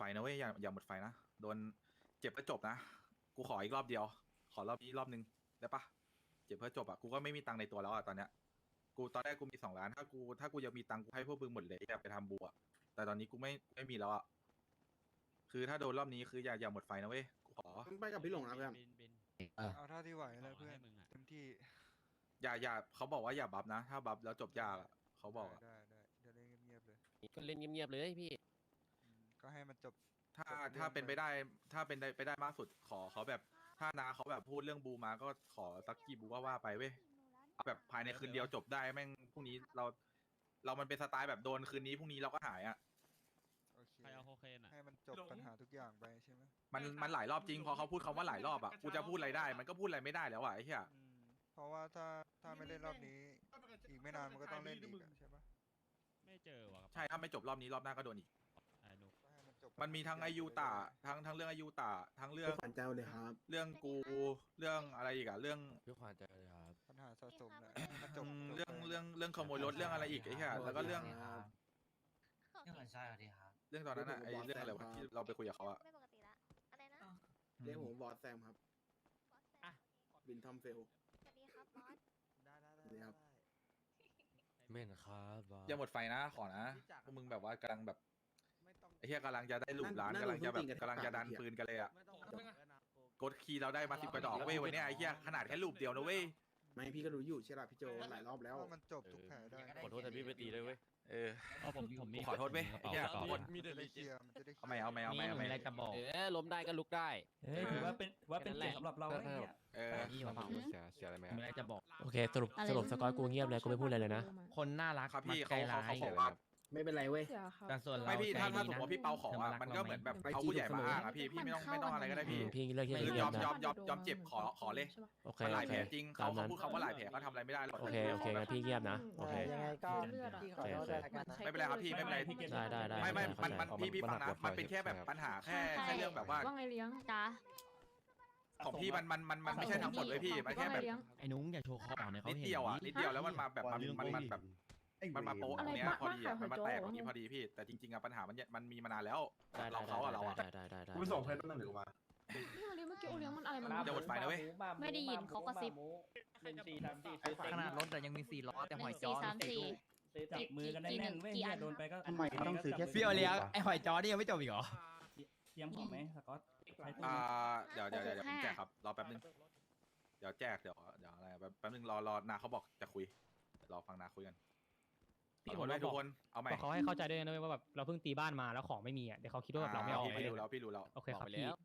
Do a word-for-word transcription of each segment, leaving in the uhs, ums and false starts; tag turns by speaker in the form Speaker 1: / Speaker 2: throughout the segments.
Speaker 1: นะเว้ยอย่าอย่าหมดไฟนะโดนเจ็บก็จบนะกูขออีกรอบเดียวขอรอบนี้รอบนึงได้ปะเจ็บเพื่อจบอ่ะกูก็ไม่มีตังค์ในตัวแล้วอ่ะตอนเนี้ยกูตอนแรกกูมีสองล้านถ้ากูถ้ากูยังมีตังค์กูให้พวกมึงหมดเลยอย่าไปทำบัวแต่ตอนนี้กูไม่ไม่มีแล้วอ่ะคือถ้าโดนรอบนี้คืออย่าอย่าหมดไฟนะเว้ยกูขอ
Speaker 2: ไปกับพี่หลงนะเพื่อน
Speaker 3: เอาเท่าที่ไหวนะเพื่อนเต็มที่
Speaker 1: อย่าอย่าเขาบอกว่าอย่าบัฟนะถ้าบัฟแล้วจบยากอ่ะเขาบอกอ่ะ
Speaker 3: ได้ได้เดี๋ยวเล่นเงียบๆเลย
Speaker 4: ก็เล่นเงียบๆเลยพี่
Speaker 3: อืมก็ให้มันจบ
Speaker 1: ถ้า
Speaker 3: จบเรื่อง
Speaker 1: ถ้าเป็น
Speaker 3: ไป
Speaker 1: ไปได้ถ้าเป็นได้ไปได้มากสุดขอเขาแบบถ้านาเขาแบบพูดเรื่องบูมาก็ขอสักกี่บูว่าว่าไปเว้ยเอาแบบภายในคืนเดียวจบได้แม่งพรุ่งนี้เรา เรามันเป็นสไตล์แบบโดนคืนนี้พรุ่งนี้เราก็หายอ่ะ
Speaker 3: โอเค
Speaker 5: ใครเอาโคเคนอ่ะ
Speaker 3: ให้มันจบปัญหาทุกอย่างไปใช่ไหม
Speaker 1: มันมันหลายรอบจริงพอเขาพูดคำว่าหลายรอบอ่ะกูจะพูดอะไรได้ มันก็พูดอะไรไม่ได้แล้วอ่ะไอ้เหี้ย
Speaker 3: อืมเพราะว่าถ้าถ้าไม่เล่นรอบนี้ อีกไม่นานมันก็ต้องเล่นอีกอะใช่ปะ
Speaker 5: ไม่เจอวะครับ
Speaker 1: ใช่ถ้าไม่จบรอบนี้รอบหน้าก็โดนอีก
Speaker 5: ไอ้นุก
Speaker 3: ก็ให้มันจบ
Speaker 1: มันมีทั้งอายุตาทั้งทั้งเรื่องอายุตาทั้งเรื่อ
Speaker 2: พี่
Speaker 1: ง
Speaker 2: ขวัญเจ้าเลยครับ
Speaker 1: เรื่องกูเรื่องอะไรอีกอ่ะเรื่อง
Speaker 4: พี่ขวัญเจอเลยครับ
Speaker 3: ปัญหาสะสมแหละให้มันจบ
Speaker 1: อืม
Speaker 3: จบ
Speaker 1: เรื่อง
Speaker 3: ไป
Speaker 1: เรื่องเรื่องขโมยรถเรื่องอะไรอีกไอ้เหี้ยแล้วก็เรื่อง
Speaker 6: เรื่องของชายสวัสดีครับ
Speaker 1: เรื่องตอนนั้นอ่ะไอ้เรื่องอะไรวะที่เราไปคุยกับเขาอ่ะ
Speaker 7: ไม่ปกติละอะไรนะ
Speaker 2: เรียกผมบอสแซมครับ
Speaker 7: บอสแซม
Speaker 2: บินทอมเฟล
Speaker 7: สวัสดีครับบอส
Speaker 3: ได้ได้
Speaker 2: สวัสดีครับ
Speaker 4: เม่นครับบอส
Speaker 1: อย่าหมดไฟนะขอนะพวกมึงแบบว่ากำลังแบบ
Speaker 3: ไม่ต้อง
Speaker 1: ไอ้เหี้ยกำลังจะได้หลุมร้าน
Speaker 2: นั่น
Speaker 1: กำลังจะแบบ
Speaker 2: นั่น
Speaker 1: กำลังจะดัน
Speaker 2: นั่น
Speaker 1: ปืนกันเลยอ่ะ
Speaker 3: ไม่ต้อง
Speaker 1: กดคีย์เราได้มาสิบกว่าดอกเว้ยวันเนี้ยไอ้เหี้ยขนาดแค่ลูปเดียวนะเว้ย
Speaker 2: ไม่พี่ก็รู้อยู่ใช่ป่ะพี่โจหลายรอบแล้ว
Speaker 3: ว่ามันจบทุกแผลได้
Speaker 4: ขอโทษแต่พี่ไปตีด้วยเว้ย
Speaker 1: เออ
Speaker 5: เอาผมผมมี
Speaker 1: ขอโทษเว้ยไอ้เหี้ย
Speaker 5: กระ
Speaker 1: ขอ
Speaker 5: เป๋า
Speaker 1: โทษ
Speaker 3: มันจะได้เคลียร์มันจะได้เคลี
Speaker 1: เอา
Speaker 3: ยร์
Speaker 1: ไม่เอาไม่เอาไม่เอาไม่
Speaker 5: อะไรจะบอก
Speaker 4: เออล้มได้ก็ลุกได้
Speaker 8: เอ้ยถือว่าเป็นว่าเป็นเกียรติสำหรับเราไอ้เนี่ย
Speaker 1: เออ
Speaker 4: นี่มาเสียเสียอะไรไหม
Speaker 5: มีอะไรจะบอก
Speaker 8: โอเคสรุปสรุปสกอตกูเงียบเลยกูไม่พูดอะไรเลยนะ
Speaker 5: คนน่ารัก
Speaker 1: ครับพี่
Speaker 5: มัก
Speaker 1: เขา
Speaker 5: ใจ
Speaker 1: เขา
Speaker 5: ร้าย
Speaker 1: เขาบอกว่า
Speaker 2: ไม่เป็นไรเว้ย
Speaker 5: แต่ส่วนเรา
Speaker 1: ไม่พี่ถ้า
Speaker 5: ใจ
Speaker 1: ถ้า
Speaker 5: ดี
Speaker 1: สมมติ
Speaker 5: นะ
Speaker 1: ว่าพี่เปาขอ
Speaker 5: ธรรม
Speaker 1: อ่ะ
Speaker 5: รัก
Speaker 1: มันก็เหมือนแบบ
Speaker 2: ไป
Speaker 1: เขา
Speaker 2: จีบ
Speaker 1: ผู้ใหญ่
Speaker 2: เส
Speaker 1: มาม
Speaker 2: อ
Speaker 1: อ้างอ่ะพี่พี่ไม่ต้องไม่ต้องอะไรก็ได้
Speaker 8: อื
Speaker 1: พี่
Speaker 8: มพี่เลือกที่
Speaker 1: คื
Speaker 8: จะ
Speaker 1: อ
Speaker 8: เงี
Speaker 1: ย
Speaker 8: ย
Speaker 1: อบ ม
Speaker 8: นะ
Speaker 1: ยอมยอมยอมเจ็บขอขอเลย
Speaker 8: โอเค
Speaker 1: มันห
Speaker 8: โอ
Speaker 1: ลาย
Speaker 8: เค
Speaker 1: แผลจริงเขา
Speaker 8: ตาม
Speaker 1: เขา
Speaker 8: นั้น
Speaker 1: พูดคำว่าหลายแผลเขาทำอะไรไม่ได้หรอก
Speaker 8: โอเคโอเคงั้นพี่เงียบนะโอเค
Speaker 9: ยังไงก็พี่ขอโทษด้วยละกันนะ
Speaker 1: ไม่เป็นไรครับพี่ไม่เป็นไร
Speaker 8: ได้ได้ได้
Speaker 1: ไม่ไม่
Speaker 8: เข้า
Speaker 1: มัน
Speaker 8: ใจ
Speaker 1: มันพี่พี่ฟังนะมันเป็นแค่แบบปัญหาแค่แค่เรื่องแบบว่า
Speaker 7: ว่าไงเลี้ยงจ้า
Speaker 1: ของพี่มันมันมันมันไม่ใช่ทั้งหมดเลยพี่มันแค่แบบ
Speaker 5: ไอ้นุ้งอย่าโชว์คอเนี่ยเขา
Speaker 1: นิด
Speaker 5: เห็น
Speaker 1: เดียวอ่ะนิดเดียวแล้วมันมาแบบมันมันมันแบบมันมาโป๊ะตรงเนี้ยพอดีอ่ะมันมาแตกตรงนี้พอดีพี่แต่จริงๆอ่ะปัญหามันมันมีมานานแล้ว
Speaker 8: ได้
Speaker 1: เราเขาอ่ะเราอ่ะ
Speaker 8: ได้ได้ได้ได้
Speaker 2: กูไปส่งเพื่อนตั้งหรือมา
Speaker 7: เลี้ยงเมื่อกี้โอเลี้ยงมันอะไรมัน
Speaker 1: เดี๋ยวหมดไฟนะเว้ย
Speaker 7: ไม่ได้ยินเขากระซิบ
Speaker 9: หนึ่งสี่สามสี่ซื้อ
Speaker 5: ขนาดรถแต่ยังมีสี่ล้อแต่
Speaker 7: ห
Speaker 5: หอ
Speaker 7: นึ่
Speaker 5: ย
Speaker 7: ง
Speaker 5: จอ
Speaker 7: สี่สามสี่
Speaker 9: ซื้อจับมือกันแน่นๆเว้ย
Speaker 7: กี่อั
Speaker 9: เนี่ย
Speaker 7: น
Speaker 9: โดนไปก็
Speaker 2: ทำไมต้องซื้อแค่
Speaker 5: พี่โอเลี้ยงไอ้หอยจอนี่ยังไม่จบอีกเหรอ
Speaker 9: เตรียมของไหมสกอตใช้ตู้
Speaker 1: อ่าเดี๋ยวเดี๋ยวเดี๋ยวผมแจกครับรอแป๊บนึงเดี๋ยวแจกเดี๋ยวเดี๋ยวอะไรแป๊บแป๊บนึงรอรอนาเขาบอกจะคุยรอฟังนาคุยกัน
Speaker 5: พี่
Speaker 1: ขอ
Speaker 5: ผม
Speaker 1: โทษด้วย
Speaker 5: บ
Speaker 1: ทุ
Speaker 5: อก
Speaker 1: กคนเอาใหม่
Speaker 5: บอกเขาให้เข้าใจด้วยนะเว้ยว่าแบบเราเพิ่งตีบ้านมาแล้วของไม่มีอ่ะเดี๋ยวเขาคิดว่าแบบเราไม่ออก
Speaker 1: พี่รู้แล้วพี่รู้แล้ว
Speaker 5: โอเคครับ
Speaker 4: บอกไป
Speaker 5: พี่
Speaker 4: แล้ว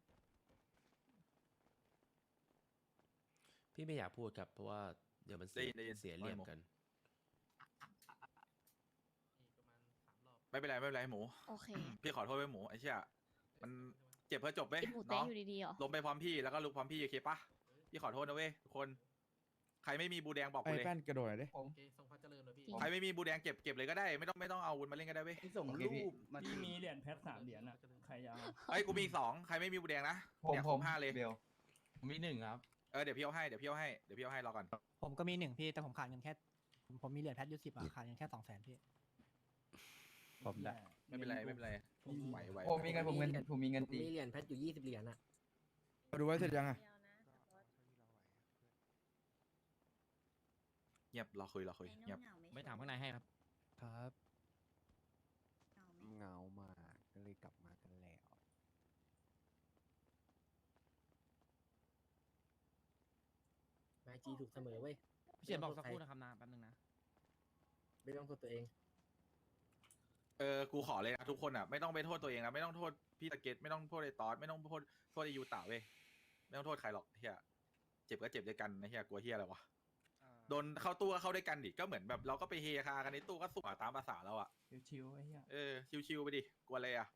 Speaker 8: พี่ไม่อยากพูดครับเพราะว่าเดี๋ยวมันเสียเสียเหลี่ยมกัน
Speaker 1: ไม่เป็นไรไม่เป็นไรหมู
Speaker 7: โอเค
Speaker 1: พี่ขอโทษไว้หมูไอ้เชี่ยมันเจ็บเพื่อจบเว้ย
Speaker 7: กินหมูเต๊ะ
Speaker 1: เนาะ
Speaker 7: อยู่ดีๆเหรอ
Speaker 1: ลงไปพร้อมพี่แล้วก็ลุกพร้อมพี่โอเคปะพี่ขอโทษนะเว้ยทุกคนใครไม่มีบูแดงบอกกูเลย
Speaker 2: แป้นกระโดดเลย
Speaker 9: ผม
Speaker 1: ใครไม่มีบูแดงเก็บเก็บเลยก็ได้ไม่ต้องไม่ต้องเอาอาวุธมาเล่นก็ได้เว้ย
Speaker 9: ที่ส่งรูปที่มีเหรียญแพทสามเหรียญอ่ะใครจะเอา
Speaker 1: เอ้ยกูมีอีกสองใครไม่มีบูแดงนะ
Speaker 6: ผม
Speaker 1: เนี่ย
Speaker 6: ผ
Speaker 1: คร
Speaker 6: ม
Speaker 1: บห้าเลย
Speaker 6: เบลผมมีหนึ่งครับ
Speaker 1: เออเดี๋ยวพี่เอาให้เดี๋ยวพี่เอาให้เดี๋ยวพี่เอาให้รอก่อน
Speaker 9: ผมก็มีหนึ่งพี่แต่ผมขาดเงินแค่ผมผมมีเหรียญแพทยูสิบอ่ะขาดเงินแค่สองแสนพี่
Speaker 6: ผมได้
Speaker 1: ไม่เป็นไรไม่เป็นไรไหวไหว
Speaker 6: ผมมีเงินผมเงินผมมีเงินตี
Speaker 9: มีเหรียญแพทอยู่ยี่สิบเหรียญอ่ะ
Speaker 2: ดูไว้เสร็จยังอ่ะ
Speaker 1: เงียบรอคุยรอคุยเงียบ
Speaker 5: ไม่ถามข้างในให้ครับ
Speaker 4: ครับ
Speaker 9: เหงามากก็เลยกลับมากันแล้วไมจีถูกเสมอเว้ย
Speaker 5: พี่เฉียนบอกสักครู่นะครับนะแป๊บนึงนะ
Speaker 9: ไม่ต้องโทษตัวเอง
Speaker 1: เออกูขอเลยนะทุกคนอ่ะไม่ต้องไปโทษตัวเองนะไม่ต้องโทษพี่ตะเกตไม่ต้องโทษไอ้ตอสไม่ต้องโทษโทษไอ้ยูตาเว้ยไม่ต้องโทษใครหรอกเฮียเจ็บก็เจ็บด้วยกันนะเฮียกลัวเฮียอะไรวะ
Speaker 3: อ่า
Speaker 1: โดนเข้าตู้ก็เข้าด้วยกันดิก็เหมือนแบบเราก็ไปเฮคากันในตู้ก็สวตามภาษาเราอ่ะ
Speaker 9: ชิวๆไอ้เหี้ย
Speaker 1: เออชิวๆไปดิกลัวอะไรอ่ะ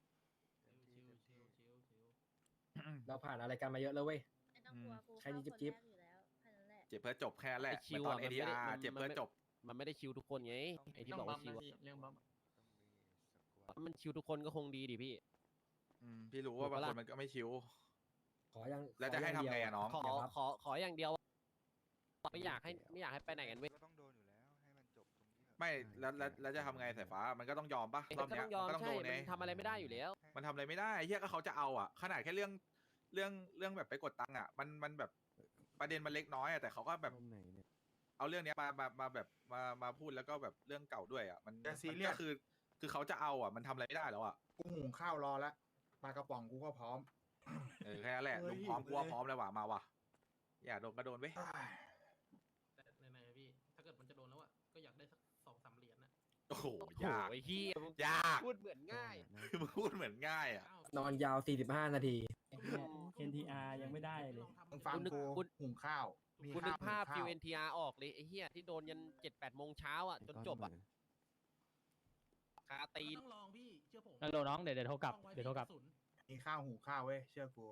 Speaker 9: เราผ่านอะไรกันมาเยอะแล้วเว้ย
Speaker 7: ไม่ต้องกลัวกู
Speaker 9: ใครดีจิ๊บจิ๊บ
Speaker 7: เข้าคนแรกอยู่แล้วแค่นั้นแหละ
Speaker 1: เจ็บเพื่อจบแค่นั้นแหละ
Speaker 4: ไอ้ชิ
Speaker 1: เหมือนตอน
Speaker 4: วอะ
Speaker 1: เอ
Speaker 4: มัน
Speaker 1: ดี
Speaker 4: ไม่ได้
Speaker 1: อาร์
Speaker 4: มัน
Speaker 1: เจ็บเพื่อจบ
Speaker 4: มันไม่ได้ชิวทุกคนไงไอ้ที่บอกว่าชิวอะ
Speaker 9: เรื่องบ้า
Speaker 4: มันชิวทุกคนก็คงดีดิพี่
Speaker 1: อืมพี่รู้ว่าบางคนมันก็ไม่ชิว
Speaker 9: ขอยัง
Speaker 1: แล้วจะให้ทำไงอะน้อง
Speaker 4: ขอขอขออย่างเดียวไม่อยากให้ไม่อยากให้ไปไหนกันเว้ย
Speaker 3: ก็ต้องโดนอยู่แล้วให้มันจบตรงนี้
Speaker 1: ไม่แล้วแล้วแล้วจะทำไงสายฟ้ามันก็ต้องยอมปะร
Speaker 4: ก็
Speaker 1: อบเนี้
Speaker 4: ต้
Speaker 1: ย
Speaker 4: องยอม
Speaker 1: ก็ต้อง
Speaker 4: ใช่
Speaker 1: โดน
Speaker 4: มั
Speaker 1: ไง
Speaker 4: นทำอะไรไม่ได้อยู่แล้ว
Speaker 1: มันทำอะไรไม่ได้เฮียก็เขาจะเอาอ่ะขนาดแค่เรื่องเรื่องเรื่องแบบไปกดตังค์อ่ะมันมันแบบประเด็นมันเล็กน้อยอ่ะแต่เขาก็แบบเอาเรื่องเนี้ยมามามาแบบมามาพูดแล้วก็แบบเรื่องเก่าด้วยอ่ะมัน
Speaker 2: อย่าซี
Speaker 1: มัน
Speaker 2: เรียส
Speaker 1: ก็คือ คือเขาจะเอาอ่ะมันทำอะไรไม่ได้แล้วอ่ะ
Speaker 2: กูหุงข้าวรอแล้วปลากระป๋องกูก็พร้อม
Speaker 1: เออแค่นั้นแหละ
Speaker 2: เฮ้ย
Speaker 1: ลุงพร้อมกูว่า
Speaker 2: เว้ย
Speaker 1: พร้อมแล้วว่ะมาว่ะอยากโดนก็โดนเว้ย
Speaker 10: แต่ในในพี่ ถ้าเกิดมันจะโดนแล้วอ่ะ ก็อยากได้สักสองสามเหรียญน่ะ
Speaker 1: โอ้โห
Speaker 4: โอ้โห
Speaker 1: ยาก
Speaker 4: ไอ้เหี้ยมึง
Speaker 1: ยาก
Speaker 4: พูดเหมือนง่าย
Speaker 1: มึงพูดเหมือนง่ายอ่ะ
Speaker 2: นอนยาวสี่สิบห้านาที
Speaker 9: เอ็นทีอาร์ยังไม่ได้เลย
Speaker 2: มึงฟัง
Speaker 4: กูนึก
Speaker 2: กู
Speaker 4: กู
Speaker 2: หุงข้าวมี
Speaker 4: คุณนึกภาพ
Speaker 2: หุง
Speaker 4: ฟิ
Speaker 2: ข้
Speaker 4: วเอ็นทีอาร์ออกเลยไอ้เหี้ยที่โดนยันเจ็ดแปดโมงเช้าอ่ะจนจบอ่ะคาตีน
Speaker 10: ต้องลองพี่ เชื่อผม
Speaker 5: แล้วโดนน้องเดี๋ยวเดี๋ยวโทรกลับ
Speaker 10: ต้องไว้
Speaker 5: เดี๋ยวโทรกลับ
Speaker 10: ที่ศูนย์
Speaker 2: มีข้าวหุงข้าวเว้ยเชื่อกู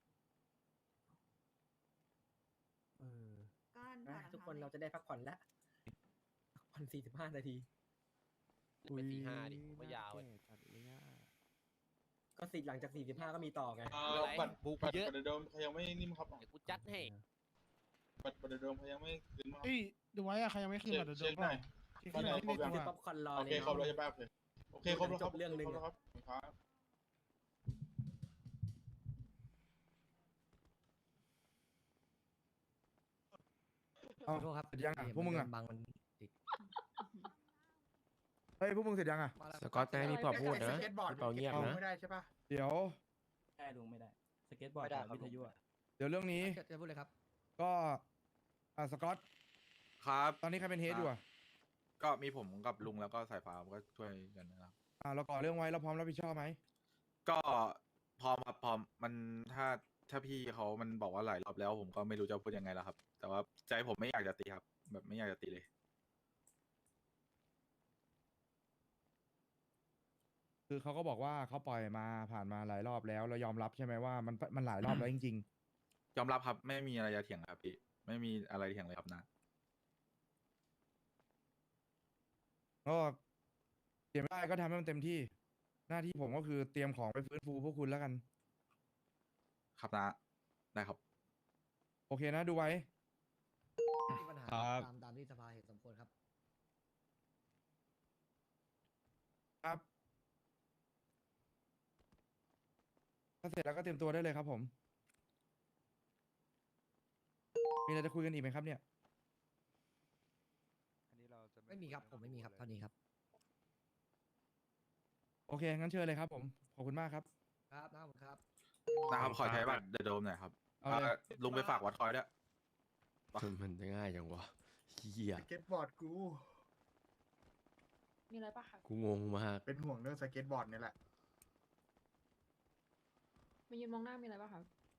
Speaker 9: ทุกคนเราจะได้พักผ่อนแล้วพักผ่อนสี่สิบห้านาที
Speaker 4: ไปสี่ห้าดิไม่ยาวเลย
Speaker 9: ก็สิหลังจากสี่สิบห้าก็มีต่อไง
Speaker 4: อะไรบุกเยอะ
Speaker 3: บัตรเดิมเขายังไม่นิ่มครับ
Speaker 4: เดี๋ยวกูจัดให้
Speaker 3: บัตรบัตรเดิมเขายังไม่คืนมา
Speaker 11: เอ้ยดูไว้อะใครยังไม่คืนบัตรเดิมเปล่าที่ขึ้นที่ในตัว
Speaker 9: ซื้อป๊อปคอร์นรอ
Speaker 3: โอ
Speaker 9: เล
Speaker 3: เค
Speaker 9: ย
Speaker 3: ครบแล้ว
Speaker 9: เนาะ
Speaker 3: ใช่ป่ะโอเคโอเคครบแล้วครับ
Speaker 9: จบเรื่องหนึ่ง
Speaker 3: ครบแล้วครับครับ
Speaker 2: เอา
Speaker 9: ขอโทษครับ
Speaker 2: เสร็จยังอ่ะพวกมึงอ่ะ
Speaker 9: บางมันอีก
Speaker 2: เฮ้ยพวกมึงเสร็จยังอ่ะ
Speaker 8: สกอตจะให้พี่ปอบพูดนะ
Speaker 2: สเก็ตบอร์ด
Speaker 8: พี่เปาเงียบนะ
Speaker 2: ไม่ได้ใช่ป่ะ
Speaker 1: เดี๋ยว
Speaker 9: ได้ลุงไม่ได้ สเก็ตบอร์ดกับวิทยุอะ
Speaker 1: เดี๋ยวเรื่องนี้
Speaker 9: จะพูดเลยครับ
Speaker 1: ก็อ่าสกอต
Speaker 8: ครับ
Speaker 1: ตอนนี้ใครเป็นเฮดอยู่อ่ะก็มีผมกับลุงแล้วก็สายฟ้าก็ช่วยกันนะครับอ่าเราก่อเรื่องไว้เราพร้อมรับผิดชอบไหมก็พร้อมครับพร้อมมันถ้าถ้าพี่เขามันบอกว่าหลายรอบแล้ว ผมก็ไม่รู้จะพูดยังไงแล้วครับ แต่ว่าใจผมไม่อยากจะตีครับ แบบไม่อยากจะตีเลย คือเขาก็บอกว่าเขาปล่อยมาผ่านมาหลายรอบแล้วเรายอมรับใช่ไหมว่ามันมันหลายรอบแล้วจริงๆยอมรับครับไม่มีอะไรจะเถียงครับพี่ไม่มีอะไรเถียงเลยครับนะก็เตรียมได้ก็ทำให้มันเต็มที่ หน้าที่ผมก็คือเตรียมของไปฟื้นฟูพวกคุณแล้วกัน ครับนะได้ครับ โอเคนะดูไว้
Speaker 9: มีปัญหา
Speaker 5: ครับ
Speaker 9: ตามตามที่สภาเห็นสมควรครับ
Speaker 1: ครับถ้าเสร็จแล้วก็เตรียมตัวได้เลยครับผม มีอะไรจะคุยกันอีกไหมครับเนี่ย
Speaker 9: ไม่มีครับ ผมไม่มีครับเท่านี้ครับ
Speaker 1: โอเค งั้นเชิญเลยครับผม ขอบคุณมากครับ
Speaker 9: ครับน้าผมครับ
Speaker 1: นะครับ ขอใช้บัตรเดอะโดมหน่อยครับลุงไปฝากวัดคอยด้วย
Speaker 8: มันจะง่ายจังวะเฮีย
Speaker 2: สเก็ตบอร์ดกู
Speaker 7: มีอะไรปะคะ
Speaker 8: กูงงมาก
Speaker 2: เป็นห่วงเรื่องสเก็ตบอร์ดนี่แหละ
Speaker 7: มายืนมองหน้ามีอะไรปะคะ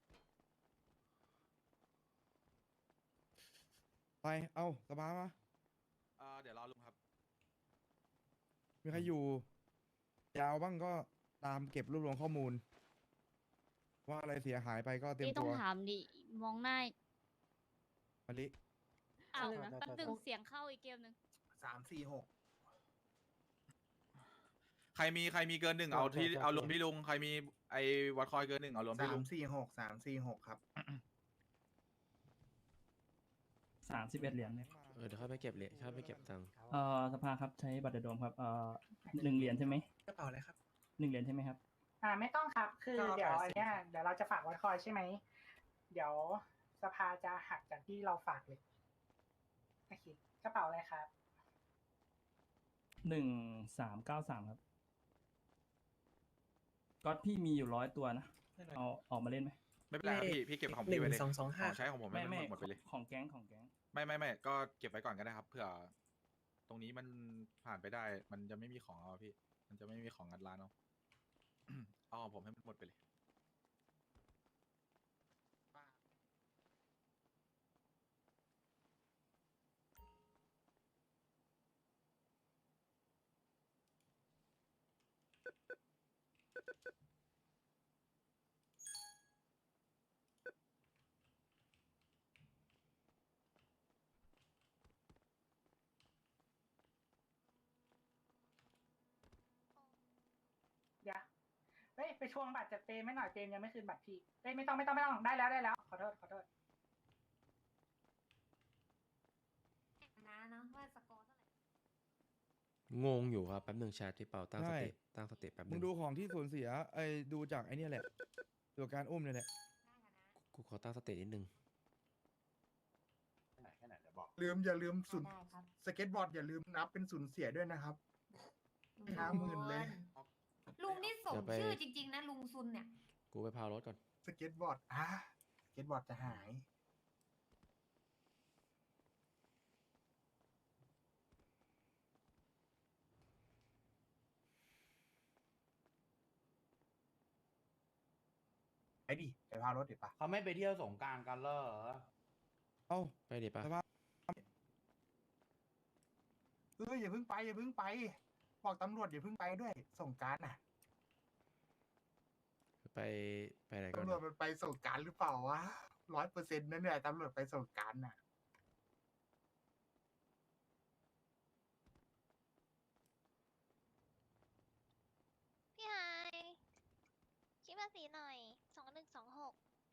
Speaker 1: ไป เอาสบายมาเดี๋ยวรอลุงครับ มีใครอยู่ ยาวบ้างก็ตามเก็บรวบรวมข้อมูล ว่าอะไรเสียหายไปก็เตรียม
Speaker 7: พี่ต้อ
Speaker 1: ตั
Speaker 7: ง
Speaker 1: ว
Speaker 7: ถามดิ มองหน้า
Speaker 1: มาลิ
Speaker 7: อ้าวแป๊บนึงเสียงเข้าอีกเกมหนึ่ง
Speaker 2: สามสี่หก
Speaker 1: ใครมีใครมีเกินหนึ่งเอาที่เอาลงที่ลุง ใครมีไอ้วัดคอยเกินหนึ่งเอารวมที่
Speaker 2: สา
Speaker 1: ลุ
Speaker 2: ม
Speaker 1: ง
Speaker 2: สี่หกสามสี่หกครับ
Speaker 9: สามสิบเอ็ดเหรียญเนี่ย
Speaker 8: เออเดี๋ยวค่อยไปเก็บเลยค่อยไปเก็บตังค์
Speaker 9: เอ่อสภาครับใช้บัตรเดอะโดมครับเอ่อหนึ่งเหรียญใช่ไหม
Speaker 2: กระเป๋าอะไรครับ
Speaker 9: หนึ่งเหรียญใช่ไหมครับ
Speaker 11: อ่าไม่ต้องครับ คือ
Speaker 2: ก็
Speaker 11: เดี๋ยว
Speaker 2: แปดสิบ
Speaker 11: อันเนี้ยเดี๋ยวเราจะฝากวัดคอยใช่ไหม เดี๋ยวสภาจะหักจากที่เราฝากเลยโอเคกระเป๋าอะไรครับ
Speaker 9: หนึ่งสามเก้าสามครับก็พี่มีอยู่ร้อยตัวนะ เอาออกมาเล่นไหม
Speaker 1: ไม่เป็นไรครับพี่พี่เก็บของพี่ไว้เลยของใช้ของผมไม่
Speaker 9: ไม่
Speaker 1: ไม่
Speaker 9: ไม่
Speaker 1: หมดไปเลย
Speaker 9: ของแก๊งของแก๊ง
Speaker 1: ไม่ไม่ไม่ก็เก็บไว้ก่อนก็ได้ครับเผื่อตรงนี้มันผ่านไปได้ มันจะไม่มีของเอาพี่ มันจะไม่มีของงัดร้านเอา เอาของผมให้มันหมดไปเลย
Speaker 11: เดี๋ยวเฮ้ยไปทวงบัตรจากเปมไม่หน่อยเปมยังไม่คืนบัตรพี่เฮ้ยไม่ต้องไม่ต้องไม่ต้องได้แล้วได้แล้ว ขอโทษขอโทษ
Speaker 7: นะเนาะว่าสกอร์เท่าไหร่
Speaker 8: งงอยู่ครับแป๊บหนึ่งแชทที่เปาตั้งส
Speaker 12: ใช่
Speaker 8: ติตั้งสติแป๊บห
Speaker 12: มึ
Speaker 8: นึ่
Speaker 12: ง
Speaker 8: ง
Speaker 12: ดูของที่สูญเสียไอ้ดูจากไอ้เนี่ยแหละตัวการอุ้มเนี่ยแหละ
Speaker 8: กูขอตั้งสตินิดนึง
Speaker 2: ลืมอย่าลืมสูญสเก็ตบอร์ดอย่าลืมนับเป็นสูญเสียด้วยนะครับห้าหมื่นเลย
Speaker 7: ลุงนี่สม
Speaker 8: เดี๋ยวไป
Speaker 7: ชื่อจริง ๆ นะลุงซุนเนี่ย
Speaker 8: กูไปพาวรถก่อน
Speaker 2: สเก็ตบอร์ดอ่ะสเก็ตบอร์ดจะหาย ไปดิ ไปพารถดิปะ
Speaker 6: เขาไม่ไปเที่ยวสงกรารกันเหรอ
Speaker 12: เอ้า
Speaker 8: ไปดิปะ
Speaker 12: สภาพ
Speaker 2: เอออย่าเพิ่งไปอย่าเพิ่งไป บอกตำรวจอย่าเพิ่งไปด้วย ส่งกรารน่ะ
Speaker 8: ไปไปไหนก่อน
Speaker 2: ตำรวจ
Speaker 8: นะ
Speaker 2: มันไปส่งกรารหรือเปล่าวะร้อยเปอร์เซ็นต์นั่นแหละตำรวจไปส่งกรารน่ะ
Speaker 7: พี่ไฮคิดภาษีหน่อยสองหนึ่งสองหก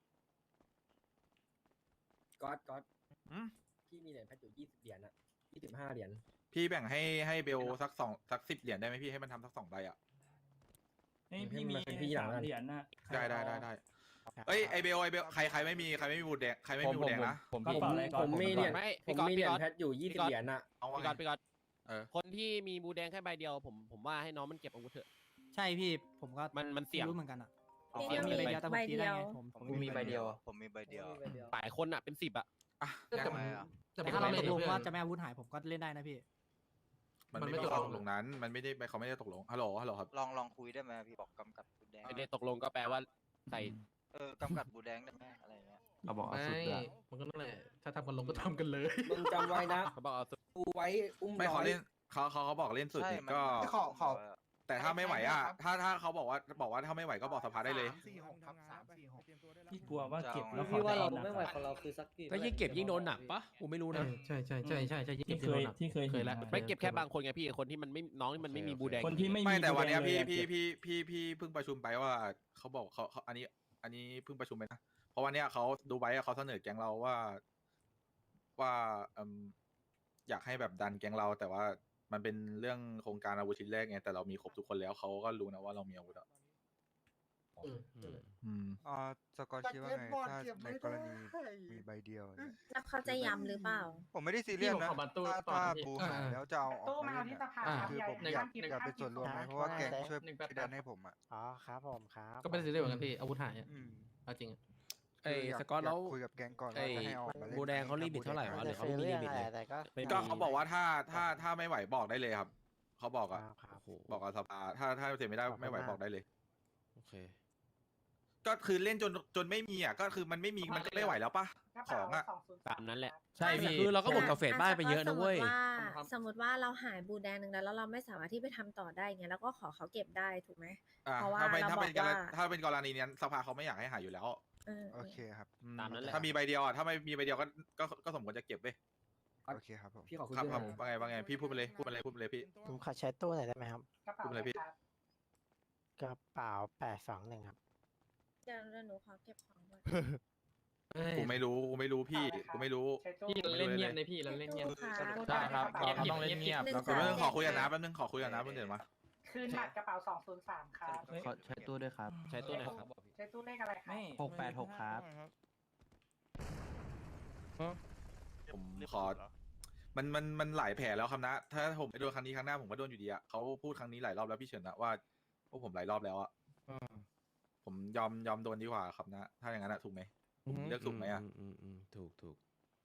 Speaker 4: ก๊อตก๊อต
Speaker 1: อืม
Speaker 4: พี่มีเหรียญแพทอยู่ยี่สิบเหรียญอะยี่สิบห้าเหรียญ
Speaker 1: พี่แบ่งให้ให้เบลสักสองสักสิบเหรียญได้ไหมพี่ให้มันทำสักสองใบอ่ะ
Speaker 4: พี่มีพี่หลังเหรียญนะ
Speaker 1: ได้ได้ได้ได้เอ้ยไอเบลไอเบลใครใครไม่มีใครไม่มีบูดแดงใครไม่มีบูดแดงนะ
Speaker 6: ผม
Speaker 4: ผมผมมีเหรียญผมมีเหรียญแพทอยู่ยี่สิบเหรียญอะ
Speaker 1: เอา
Speaker 4: พี่
Speaker 1: ว่า
Speaker 4: ก๊อตพี่ก๊อต
Speaker 1: เออ
Speaker 4: คนที่มีบูแดงแค่ใบเดียวผมผมว่าให้น้องมันเก็บอาวุธเถอะ
Speaker 9: ใช่พี่ผมก็
Speaker 4: มันมันเสี่ยง
Speaker 9: รู้เหมือนกันอ่ะ
Speaker 1: เอา
Speaker 9: ผมมีใบเดียวแต่ผมตีได้ไงผม
Speaker 3: ผมมีใบเดียว ผมมีใบเดียว
Speaker 4: หลายคนอะเป็นสิบอะ
Speaker 1: อ่ะ
Speaker 10: แต่
Speaker 1: งั้น
Speaker 10: มัน
Speaker 9: แต่
Speaker 10: แต่
Speaker 9: ถ้าเราตกลงว่า
Speaker 10: จะ
Speaker 9: จะไม่อาวุธหายผมก็เล่นได้นะพี่
Speaker 1: มัน
Speaker 10: มัน
Speaker 1: ไม่
Speaker 10: ไม่
Speaker 1: ได้
Speaker 10: ตกลง
Speaker 1: ตกลงนั้น มันไม่ได้เขาไม่ได้ตกลงฮัลโหลฮัลโหลครับ
Speaker 3: ลองลองคุยได้ไหมพี่บอกกำกัดบูแดง
Speaker 4: ไม่ได้ตกลงก็แปลว่าใส่
Speaker 3: เออกำกัดบูแดงได้ไหมอะไรเงี้ย
Speaker 6: เราบอกเอา
Speaker 10: ไม่
Speaker 6: สุดละ
Speaker 10: มันก็นั่นแหละถ้าทำกันลงก็ทำกันเลย
Speaker 4: มึงจำไว้นะเขาบอกเอาดูไว้อุ้ม
Speaker 1: ไม่เขาเล่นเขาเขาเขาบอกเล่นสุด
Speaker 3: ใช่
Speaker 1: นี่
Speaker 3: มัน
Speaker 1: ก็
Speaker 3: มัน
Speaker 2: ขอขอ
Speaker 1: แต่ถ้าไม่ไหวอ่ะ
Speaker 2: ครับ
Speaker 1: ถ้าถ้าเขาบอกว่าบอกว่าถ้าไม่ไหวก็บอกสภาได้เลย
Speaker 2: สามสี่หกครับสามสี่หก
Speaker 6: พี่กลัวว่าเก็บ
Speaker 3: จะเอา
Speaker 6: แล้ว
Speaker 3: พี่ว่าเรา
Speaker 6: ไม่ไหวของเราคือ
Speaker 8: ก็ยิ่งเก็บยิ่งโดนหนักปะกูไม่รู้นะ
Speaker 10: ใช่ใช่ใช่ใช่ใช่ยิ่ง
Speaker 6: ที่
Speaker 10: เก็บ
Speaker 6: เคย
Speaker 10: โดนหนัก
Speaker 6: ที่เคย
Speaker 10: เคยแล้ว
Speaker 4: ไม่เก็บแค่บางคนไงพี่คนที่มันไม่น้องที่มันไม่มีบูแดง
Speaker 6: คนที่ไม่มี
Speaker 1: ไม่แต่วันเนี้ย
Speaker 6: บู
Speaker 1: พี่
Speaker 6: แดงเลย
Speaker 1: พี่
Speaker 6: อะ
Speaker 1: พี่พี่พี่เพิ่งประชุมไปว่าเขาบอกเขาเขาอันนี้ อันนี้เพิ่งประชุมไปนะเพราะวันเนี้ยเขาดูไว้อะเขาเสนอแก๊งเราว่าว่าเอมอยากให้แบบดันแก๊งเรา แต่ว่ามันเป็นเรื่องโครงการอาวุธชิ้นแรกไงแต่เรามีครบทุกคนแล้วเขาก็รู้นะว่าเรามีอาวุธอ่ะ
Speaker 10: อืม
Speaker 8: อืม
Speaker 1: อืม
Speaker 3: อ่าสกอตคิดว่าไงถ้าในกรณีมีใบเดียวเนี่ย
Speaker 7: แล้วเขาจะย้ำหรือเปล่า
Speaker 3: ผมไม่ได้ซีเรียส
Speaker 10: พี่
Speaker 3: นะ
Speaker 10: ผมขอบัตรตู้
Speaker 3: ถ้า
Speaker 10: ต่อ
Speaker 3: ถ้า
Speaker 10: นะพี่
Speaker 3: บูหายแล้วจะเอาออก
Speaker 11: ตู้
Speaker 3: มา
Speaker 11: มา
Speaker 3: เล่น
Speaker 11: ที่
Speaker 3: เนี่ย
Speaker 11: สภา
Speaker 10: อ่า
Speaker 11: ครับ
Speaker 3: คือผม
Speaker 11: ใหญ่
Speaker 3: อยาก
Speaker 11: ห้ามกิน
Speaker 3: อยากเป็นส่วนรวมไหมเพราะว่าแก๊งช่วย
Speaker 10: หนึ่งแปด
Speaker 3: ดันให้ผมอ่ะ
Speaker 9: อ๋อครับผมครับ
Speaker 10: ก็ไม่ได้ซีเรียสเหมือนกันพี่อาวุธหายอะ
Speaker 3: อืม
Speaker 10: เอาจริงอะ
Speaker 8: ไอ้
Speaker 3: คืยา
Speaker 8: สกอตแล้ว
Speaker 3: ยาคุยกับแก๊งก่อน
Speaker 8: ไอ้
Speaker 3: ว่าจะให้เอาออกมาเล่น
Speaker 8: บูแดงเขาลิมิตเท่าไหร่วะหรือเขาไม่มีลิมิตเลย
Speaker 1: ก็เขาบอกว่าถ้าถ้าถ้าไม่ไหวบอกได้เลยครับเขาบอกอ่ะ
Speaker 8: โอ้โห
Speaker 1: บอกกับสภาถ้าถ้าเสร็จไม่ได้ไม่ไหวบอกได้เลย
Speaker 8: โอเค
Speaker 1: ก็คือเล่นจนจนไม่มีอ่ะก็คือมันไม่มีมันก็ไม่ไหวแล้วปะของอ่ะ
Speaker 4: ตามนั้นแหละ
Speaker 8: ใช่พี่คือเราก็หมดกาแฟบ้านไปเยอะนะเว้ย
Speaker 7: สมมติว่าเราหายบูแดงหนึ่งแล้วแล้วเราไม่สามารถที่ไปทำต่อได้เงี้ยแล้วก็ขอเขาเก็บได้ถูกไหม
Speaker 1: อ่า
Speaker 7: เพราะว่า
Speaker 1: ถ้าเป็น
Speaker 7: เรา
Speaker 1: ถ้าเป็น
Speaker 7: บอก
Speaker 1: กร
Speaker 7: ว่า
Speaker 1: ณีถ้าเป็นกรณีนี้สภาเขาไม่อยากให้หายอยู่แล้ว
Speaker 7: เออ
Speaker 3: โอเคครับ
Speaker 1: อื
Speaker 4: ตามนั้นแหละ
Speaker 1: ถ้ามีใบเดียวอ่ะถ้าไม่มีใบเดียวก็ก็ก็สมควรจะเก็บเว้ย
Speaker 3: โอเคครับผม
Speaker 4: พี่ขอคุย
Speaker 1: ครับ
Speaker 4: ด้วย
Speaker 1: ครับ
Speaker 4: นะ
Speaker 1: ว่าไงว่าไงพี่พูดไปเลยพูดไปเลยพูดไปเลยพี่
Speaker 9: ผมขอใช้ตู้หน่อยได้ไหมครับ
Speaker 11: กระเป๋า
Speaker 1: พูดอะไรพี่
Speaker 11: ครับ
Speaker 9: กระเป๋าแปดสองหนึ่งครับ
Speaker 7: เดี๋ยวหนูขอเก็บของก่อน
Speaker 1: กูไม่รู้กูไม่รู้พี่กูไม่รู้
Speaker 11: ใช้ตู้
Speaker 10: พี่เราเล่นเงียบเลยพี่เราเล่นเงียบ
Speaker 7: ตู้ค่ะ
Speaker 6: ใช่ครับเราเราต้องเล่นเงียบ
Speaker 7: หนึ่ง
Speaker 6: แล้ว
Speaker 1: แป๊
Speaker 6: ก็
Speaker 1: บนึงขอคุยกันนะแป๊บนึงขอคุยกันนะเพิ่งเดินมา
Speaker 11: คืนบัตรกระเป๋าสองศูนย์สามครับ
Speaker 6: ขอใช้ตู้ด้วยครับ
Speaker 4: ใช้ตู้ไหนครับ
Speaker 11: ใช้ตู้เลขอะไรครับ
Speaker 6: หกแปดหกครับ
Speaker 1: ผมขอ มันมันมันหลายแผลแล้วครับนะ ถ้าผมไปโดนครั้งนี้ครั้งหน้าผมก็โดนอยู่ดีอ่ะเขาพูดครั้งนี้หลายรอบแล้วพี่เฉินนะว่าพวกผมหลายรอบแล้วอ่ะผมยอมยอมโดนดีกว่าครับนะ ถ้าอย่างนั้นอะถูกไหมผมเลือกถูกไหมอ่ะ
Speaker 8: อืมอืมถูกถูก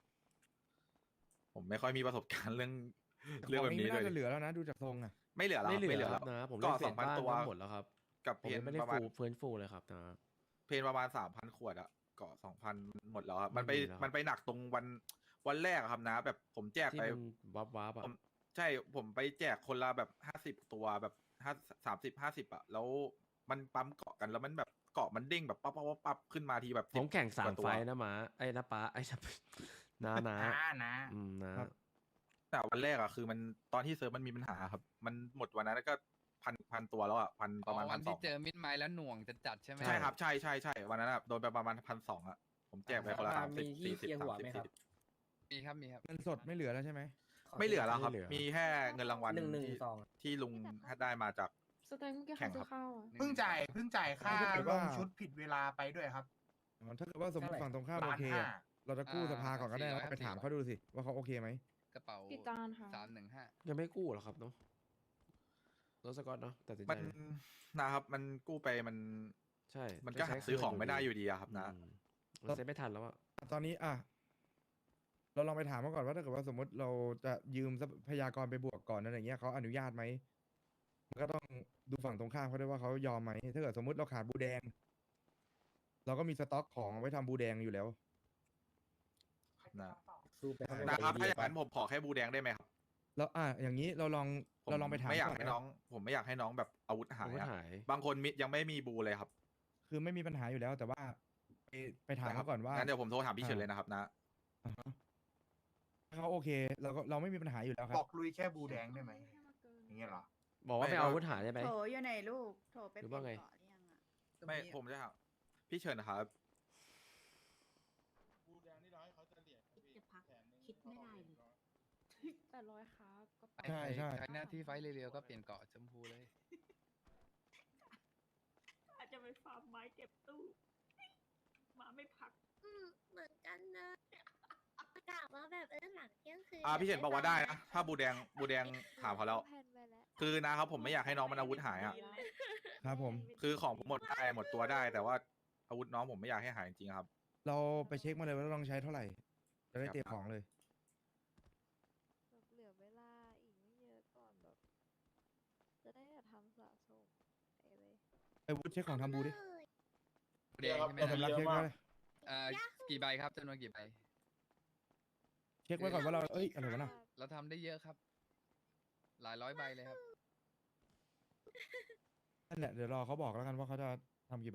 Speaker 1: ผมไม่ค่อยมีประสบการณ์เรื่อง
Speaker 12: ข
Speaker 1: เรื่อง
Speaker 12: อง
Speaker 1: แบบ
Speaker 12: นี้
Speaker 1: นี้
Speaker 12: ไม่
Speaker 1: เล
Speaker 12: น่าย จะเหลือแล้วนะดูจากทรงอ่ะ
Speaker 1: ไม่เหลือแล้ว
Speaker 8: ไม่เหลื
Speaker 1: ไม่
Speaker 8: อ
Speaker 1: เหลือ
Speaker 8: ค
Speaker 1: แล้
Speaker 8: รับ
Speaker 1: ว
Speaker 8: นะผม
Speaker 1: ก็
Speaker 8: เล่นเฟ
Speaker 1: ส
Speaker 8: ส
Speaker 1: องพัน
Speaker 8: บ้าน
Speaker 1: ตัว
Speaker 8: ก็หมดแล้วครับ
Speaker 1: กับ
Speaker 8: ผม
Speaker 1: เพน
Speaker 8: ยังไม่ได้
Speaker 1: ประมาณ
Speaker 8: ฟูฟื้นฟูเลยครับนะ
Speaker 1: เพนประมาณสามพันขวดอะเกาะสองพันหมดแล้วครับมันไป
Speaker 8: ไม่มีแล้ว
Speaker 1: มันไปหนักตรงวันวันแรกอะครับนะ แบบผมแจก
Speaker 8: ที่
Speaker 1: ไป
Speaker 8: มันวับวับๆ
Speaker 1: ผ
Speaker 8: อ่ะ
Speaker 1: มใช่ผมไปแจกคนละแบบห้าสิบตัวแบบห้าสามสิบห้าสิบอะแล้วมันปั๊มเกาะกันแล้วมันแบบเกาะมันเด้งแบบปั๊บปั๊บปั๊บปั๊บขึ้นมาทีแบบ
Speaker 8: ผมแข่งสาม
Speaker 1: กว่ตัว
Speaker 8: ไฟล์นะหมาไอ้นะป้าไอ้นะ นะนะ
Speaker 2: อ่านะ
Speaker 8: อืมนะ
Speaker 1: แต่วันแรกอะคือมันตอนที่เซิร์ฟมันมีปัญหาครับ มันหมดวันนั้นก็พันพันตัวแล้วอะพันประมาณพันสอง
Speaker 6: เจอมิดไม้แล้วหน่วงจะจัดใช่ไหม
Speaker 1: ใช่ครับใช่ใช่ใช่วันนั้นอะโดนไปประมาณพันสองอะผมแจกไปคนละสามสิบสี่สิบสามสิบสี่สิบ
Speaker 6: มีครับมีครับ
Speaker 12: เงินสดไม่เหลือแล้วใช่ไหม
Speaker 1: ไม่เหลือแล้วครับ
Speaker 8: ไม่เหลือ
Speaker 1: มีแค่เงินรางวัล
Speaker 5: หนึ่งหนึ่ง
Speaker 1: ที่
Speaker 5: สอง
Speaker 1: ที่ลุงได้มาจาก
Speaker 13: สแตนเมื่อกี้
Speaker 1: แข่
Speaker 13: ใครง ซื้
Speaker 1: ครั
Speaker 13: อบ ข้าวอ่ะ
Speaker 2: เพิ่งจ่ายเพิ่งจ่ายค่า
Speaker 12: ถ้าเกิด
Speaker 2: ล
Speaker 12: ว่า
Speaker 2: งชุดผิดเวลาไปด้วยครับ
Speaker 12: อ๋อถ้าเกิดว่าสมมติฝั่งตรงข้ามโอ
Speaker 2: ล้าน
Speaker 12: เค
Speaker 2: ห้า
Speaker 12: อะเราจะกู้สภาก่อนก็ได้นะไปถามเขาดูสิว่าเขาโอเคไหม
Speaker 6: กระเป๋า
Speaker 13: กี่จานค่ะ
Speaker 6: สามหนึ่งห้า
Speaker 8: ยังไม่กู้หรอกครับเนาะรถสกอตเนาะตัดสินใจ
Speaker 1: มันนะครับมันกู้ไปมัน
Speaker 8: ใช่
Speaker 1: มันก็หาซื้อของไม่ได้อยู่ดีอะครับนะ
Speaker 8: อืมมันเซ็ตไม่ทันแล้วอะ
Speaker 12: ตอนนี้อ่ะเราลองไปถามเขาก่อนว่าถ้าเกิดว่าสมมติเราจะยืมทรัพยากรไปบวกก่อนนั่นอย่างเงี้ยเขาอนุญาตไหมมันก็ต้องดูฝั่งตรงข้ามเขาด้วยว่าเขายอมไหมถ้าเกิดสมมติเราขาดบูแดง เราก็มีสต็อกของไว้ทำบูแดงอยู่แล้ว
Speaker 1: นะ
Speaker 5: สู้ไปข้างนอก
Speaker 1: นะครับถ้าอย่าง
Speaker 5: ไป
Speaker 1: นั้นผมขอแค่บูแดงได้ไหมครับ
Speaker 12: แล้วอ่ะอย่างนี้เราลอง
Speaker 1: ผม
Speaker 12: เราลองไปถาม
Speaker 1: ไม่อยาก
Speaker 12: ก่
Speaker 1: ให้
Speaker 12: นะ
Speaker 1: น้อง ผมไม่อยากให้น้องแบบอาวุธหาย
Speaker 8: อาวุธ
Speaker 1: อะ
Speaker 8: หาย
Speaker 1: บางคนมิยังไม่มีบูเลยครับ
Speaker 12: คือไม่มีปัญหาอยู่แล้ว แต่ว่าไปไปถามเขาก่อนว่า
Speaker 1: งั้นเดี๋ยวผมโทรถามพี่เฉินเลยนะครับนะ
Speaker 12: อ่าฮะถ้าเขาโอเคเราก็เราไม่มีปัญหาอยู่แล้วครับ
Speaker 2: บอกลุยแค่บูแดงได้ไหมอย่างเงี้ยเหรอ
Speaker 8: บอกว่า
Speaker 1: ไม่
Speaker 8: ไม่เอาอาวุธหายได้ไหม
Speaker 13: โถอยู่ไหนลูก โถไป
Speaker 8: หรือ
Speaker 13: เปลี่
Speaker 8: ว่าย
Speaker 13: น
Speaker 8: ไง
Speaker 13: เกาะหรือยังอ่ะ
Speaker 1: ไม่ผมจะถามพี่เฉินนะครับ
Speaker 13: จะพักคิดไม่ได้เลยแปดร้อยครับก็ไป
Speaker 12: ใช่ใช่
Speaker 6: ใช้หน้าที่ไฟท์เร็วๆก็เปลี่ยนเกาะชมพูเลย
Speaker 13: อาจจะไปฟาร์มไม้เก็บตู้ มาไม่พัก
Speaker 7: อืมเหมือนกันนะกะว่าแบบเออหลังเที่ยงคืน
Speaker 1: อ่าพี่เฉินบอกว่าได้นะถ้าบูแดงบูแดงถามเขาแล้ว คือนะครับผมไม่อยากให้น้องมันอาวุธหายอ่ะ
Speaker 12: ครับผม
Speaker 1: คือของผมหมดได้หมดตัวได้ แต่ว่าอาวุธน้องผมไม่อยากให้หายจริงๆครับ
Speaker 12: เราไปเช็คมาเลยว่าเราต้องใช้เท่าไหร่จะได้เตรียมของเลย
Speaker 7: เหลือเวลาอีกไม่เยอะก่อนแบบ จะได้ทำสะสมไปเลย
Speaker 12: ไปวุฒิเช็คของทำบูดิ
Speaker 6: บูแดงใช่ไหม
Speaker 12: เรา
Speaker 6: นะ
Speaker 12: สำรับเช็คไว้เลย
Speaker 6: เอ่อกี่ใบครับจำนวนกี่ใบ
Speaker 12: เช็คไว้ก่อนว่าเราเอ้ยอะไรวะน่ะ
Speaker 6: เราทำได้เยอะครับ หลายร้อยใบเลยครับ
Speaker 12: นั่นแหละเดี๋ยวรอเขาบอกแล้วกันว่าเขาจะทำกี่ใบ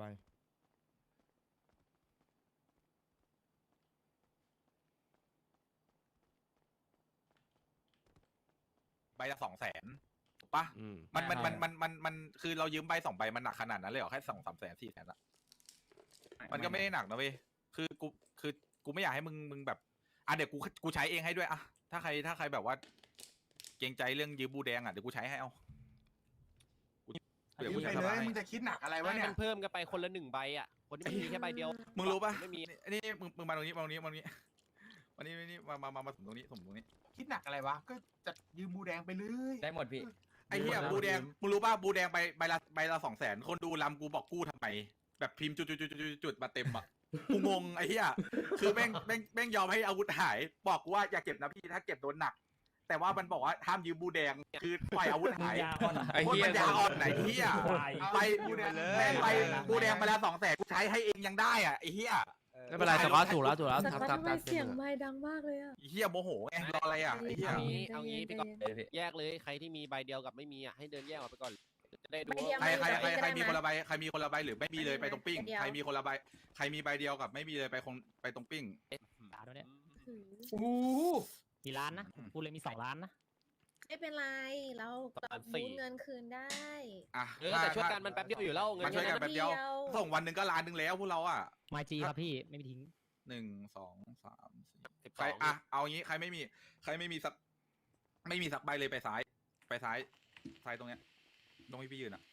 Speaker 1: ใบละสองแสนถูกปะ
Speaker 8: อืม
Speaker 1: มันมันมันมันมันมันคือเรายืมใบสองใบมันหนักขนาดนั้นเลยเหรอแค่สองสามแสนสี่แสนอะมันก็ไม่ได้หนักนะเว้ยคือกูคือกูไม่อยากให้มึงมึงแบบอ่ะเดี๋ยวกูกูใช้เองให้ด้วยอะถ้าใครถ้าใครแบบว่า เกรงใจเรื่องยืมบูแดงอะเดี๋ยวกูใช้ให้เอากูเดี๋ยว
Speaker 2: ยื
Speaker 1: กู
Speaker 2: ม
Speaker 1: ใช้
Speaker 2: ไป
Speaker 1: ส
Speaker 2: เล
Speaker 1: บาย ย
Speaker 2: มึงจะคิดหนักอะไรวะ
Speaker 4: ให้
Speaker 2: เนี่
Speaker 4: มั
Speaker 2: ย
Speaker 4: นเพิ่มกันไปคนละหนึ่งใบอ่ะ คนที่ไม่มีแค่ใบเดียว
Speaker 1: มึงรู้ปะ
Speaker 4: ไม่มี
Speaker 1: นี่นี่มึงมึงมาตรงนี้มาตรงนี้มาตรงนี้วันนี้นี่มามามามาสมตรงนี้สมตรงนี้
Speaker 2: คิดหนักอะไรวะ ก็จะยืมบูแดงไปเลย
Speaker 6: ได้หมดพี่
Speaker 1: ไอ้เหี้ยบูแดงมึงรู้ป่ะบูแดงใบใบละใบละสองแสนคนดูลำกูบอกกู้ทำไมแบบพิมพ์จุดจุดจุดจุดจุดมาเต็มอ่ะกูงงไอ้เหี้ยคือแม่งแม่งแม่งยอมให้อาวุธหายบอกกูว่าอย่าเก็บนะพี่ถ้าเก็บโดนหนัก แต่ว่ามันบอกว่าห้ามยืมบูแดงคือปล่อยอาวุธหาย
Speaker 8: ไอ้
Speaker 1: โคตร
Speaker 8: เหี้ย
Speaker 1: ปัญญาอ่อนไหนเหี้ยไป
Speaker 2: บูแดง
Speaker 1: แม่งไปบูแดงไปละสองแสนกูใช้ให้เองยังได้อ่ะไอ้เหี้ย
Speaker 8: ไม่เป็นไรสกอตถูกแล้วถูกแล้ว
Speaker 13: สกอต
Speaker 8: ทำ
Speaker 13: ทำไม
Speaker 8: ตาม
Speaker 13: เสียง
Speaker 8: เสนอ
Speaker 13: ไม่ดังมากเลยอ่ะ
Speaker 1: ไอ้เหี้ยโมโหไงรออะไรอ่ะไอ้เหี้ย
Speaker 4: เอางี้
Speaker 13: ใจ
Speaker 4: เอางี้
Speaker 13: เย็น
Speaker 4: พี่ก็
Speaker 13: ใจเย็น
Speaker 4: แยกเลยใครที่มีใบเดียวกับไม่มีอ่ะให้เดินแยกออกไปก่อน จะได้ดู
Speaker 13: ใบเดียว
Speaker 1: ใครใครใครใครมี
Speaker 13: ก็ได้
Speaker 1: คนละใบใครมีคนละใบหรือไม่มีเลยไปตรงปิ้ง
Speaker 13: ใบเดียว
Speaker 1: ใครมีคนละใบใครมีใบเดียวกับไม่มีเลยไปคนไปตรงปิ้ง
Speaker 5: ด่าด้วยเนี่ย
Speaker 13: หือ
Speaker 5: กี่ล้านนะพูดเลยมีสองล้านนะ
Speaker 13: ไม่เป็นไร เราเราบูนเงินคืนได้
Speaker 1: อ่ะ
Speaker 4: เออแต่ช่วยกันมันแป๊บเดียวอยู่แล้วเงิ
Speaker 1: มันช่วยกัน
Speaker 4: เย
Speaker 1: แป๊บเดียว
Speaker 13: เดียว
Speaker 1: ส่งวันหนึ่งก็ล้านหนึ่งแล้วพวกเราอ่ะ
Speaker 5: มาจีครับพี่ไม่มีทิ้ง
Speaker 1: หนึ่งสองสามสี่
Speaker 4: สิบ
Speaker 1: ใคร
Speaker 4: สอง
Speaker 1: อ่ะเอางี้ใครไม่มี ใครไม่มีสัก ไม่มีสักใบเลยไปซ้าย ไปซ้ายซ้ายตรงเนี้ยตรงที่พี่ยืนอ่ะ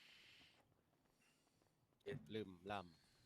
Speaker 4: ลืมล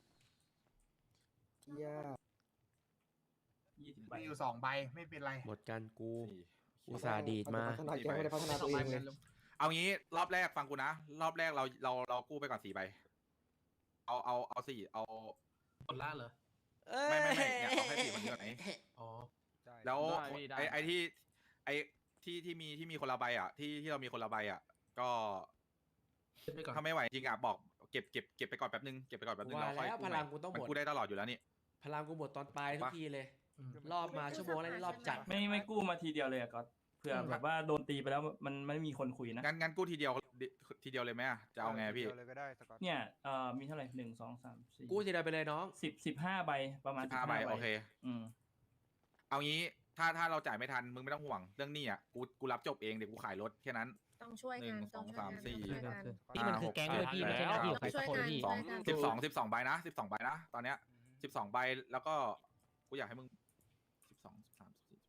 Speaker 2: มีอยู่สองใบไม่เป็นไร
Speaker 8: หมดกันกู
Speaker 1: สี่
Speaker 8: อุตส่าห์ดีดมา
Speaker 1: สี่ใบเอางี้รอบแรกฟังกูนะ รอบแรกเราเราเรากู้ไปก่อนสี่ใบ เอาเอาเอาสี่เอา
Speaker 10: หมดล่าเหรอ
Speaker 1: ไม่ไม่ไม่เนี่ยเอาแค่สี่คนนี้ก่อนไหน
Speaker 10: อ๋อ
Speaker 1: แล้ว
Speaker 10: ได้พี่ได้
Speaker 1: ไอ้ไอ้ที่ไอ้ที่ที่มีที่มีคนละใบอ่ะ ที่ที่เรามีคนละใบอ่ะ ก็
Speaker 10: เก็บไปก่อน
Speaker 1: ถ้าไม่ไหวจริงอ่ะบอกเก็บเก็บเก็บไปก่อนแป๊บนึงเก็บไปก่อนแป๊บนึง
Speaker 8: ว่า
Speaker 1: เราค่อย
Speaker 8: แล้ว
Speaker 1: กู้
Speaker 8: พ
Speaker 1: ให
Speaker 8: ลั
Speaker 1: ม่
Speaker 8: งกูต้องหมด
Speaker 1: มันกู้ได้ตลอดอยู่แล้วนี่
Speaker 8: พลังกูหมดตอนปลายทุกทีเลย
Speaker 10: อืม
Speaker 8: รอบมาชั่วโมงแล้วนี่รอบจัด
Speaker 9: ไม่ไม่กู้มาทีเดียวเลยอะก็เผื่อแบบว่าโดนตีไปแล้วมันไม่มีคนคุยนะ
Speaker 1: งั้นงั้นกู้ทีเดียวทีเดียวเลยไหมอะจะเอาไงพี่
Speaker 3: ดียวเลยก็ได้สกอต
Speaker 9: เนี่ยเอ่อมีเท่าไหร่หนึ่งสองสามสี่
Speaker 8: กู้ทีเดียวไปเลยน้อง
Speaker 9: สิบสิบห้าใบประมาณ
Speaker 1: สิบห้าใบโอเค
Speaker 9: อืม
Speaker 1: เอางี้ถ้าถ้าเราจ่ายไม่ทันมึงไม่ต้องห่วงเรื่องหนี้อ่ะกูกูรับจบเองเดี๋ยวกูขายรถแค่นั้น
Speaker 13: ต้องช่วย
Speaker 1: หนึ่
Speaker 13: กั
Speaker 1: ง
Speaker 13: น
Speaker 1: สอง
Speaker 13: ต้
Speaker 1: สาม
Speaker 13: ช่วย
Speaker 1: สี่
Speaker 13: กัน
Speaker 5: นี่มันคือแก๊งเลยพี่ไม่ใช่หน้าที่ของใครสักคนเลยพี่
Speaker 1: สอง
Speaker 13: ช่วยกัน
Speaker 1: สิบสองสิบสองใบนะสิบสองใบนะตอนเนี้ยสิบสองใบแล้วก็กูอยากให้มึงสิบสองสิบสามสิบสี่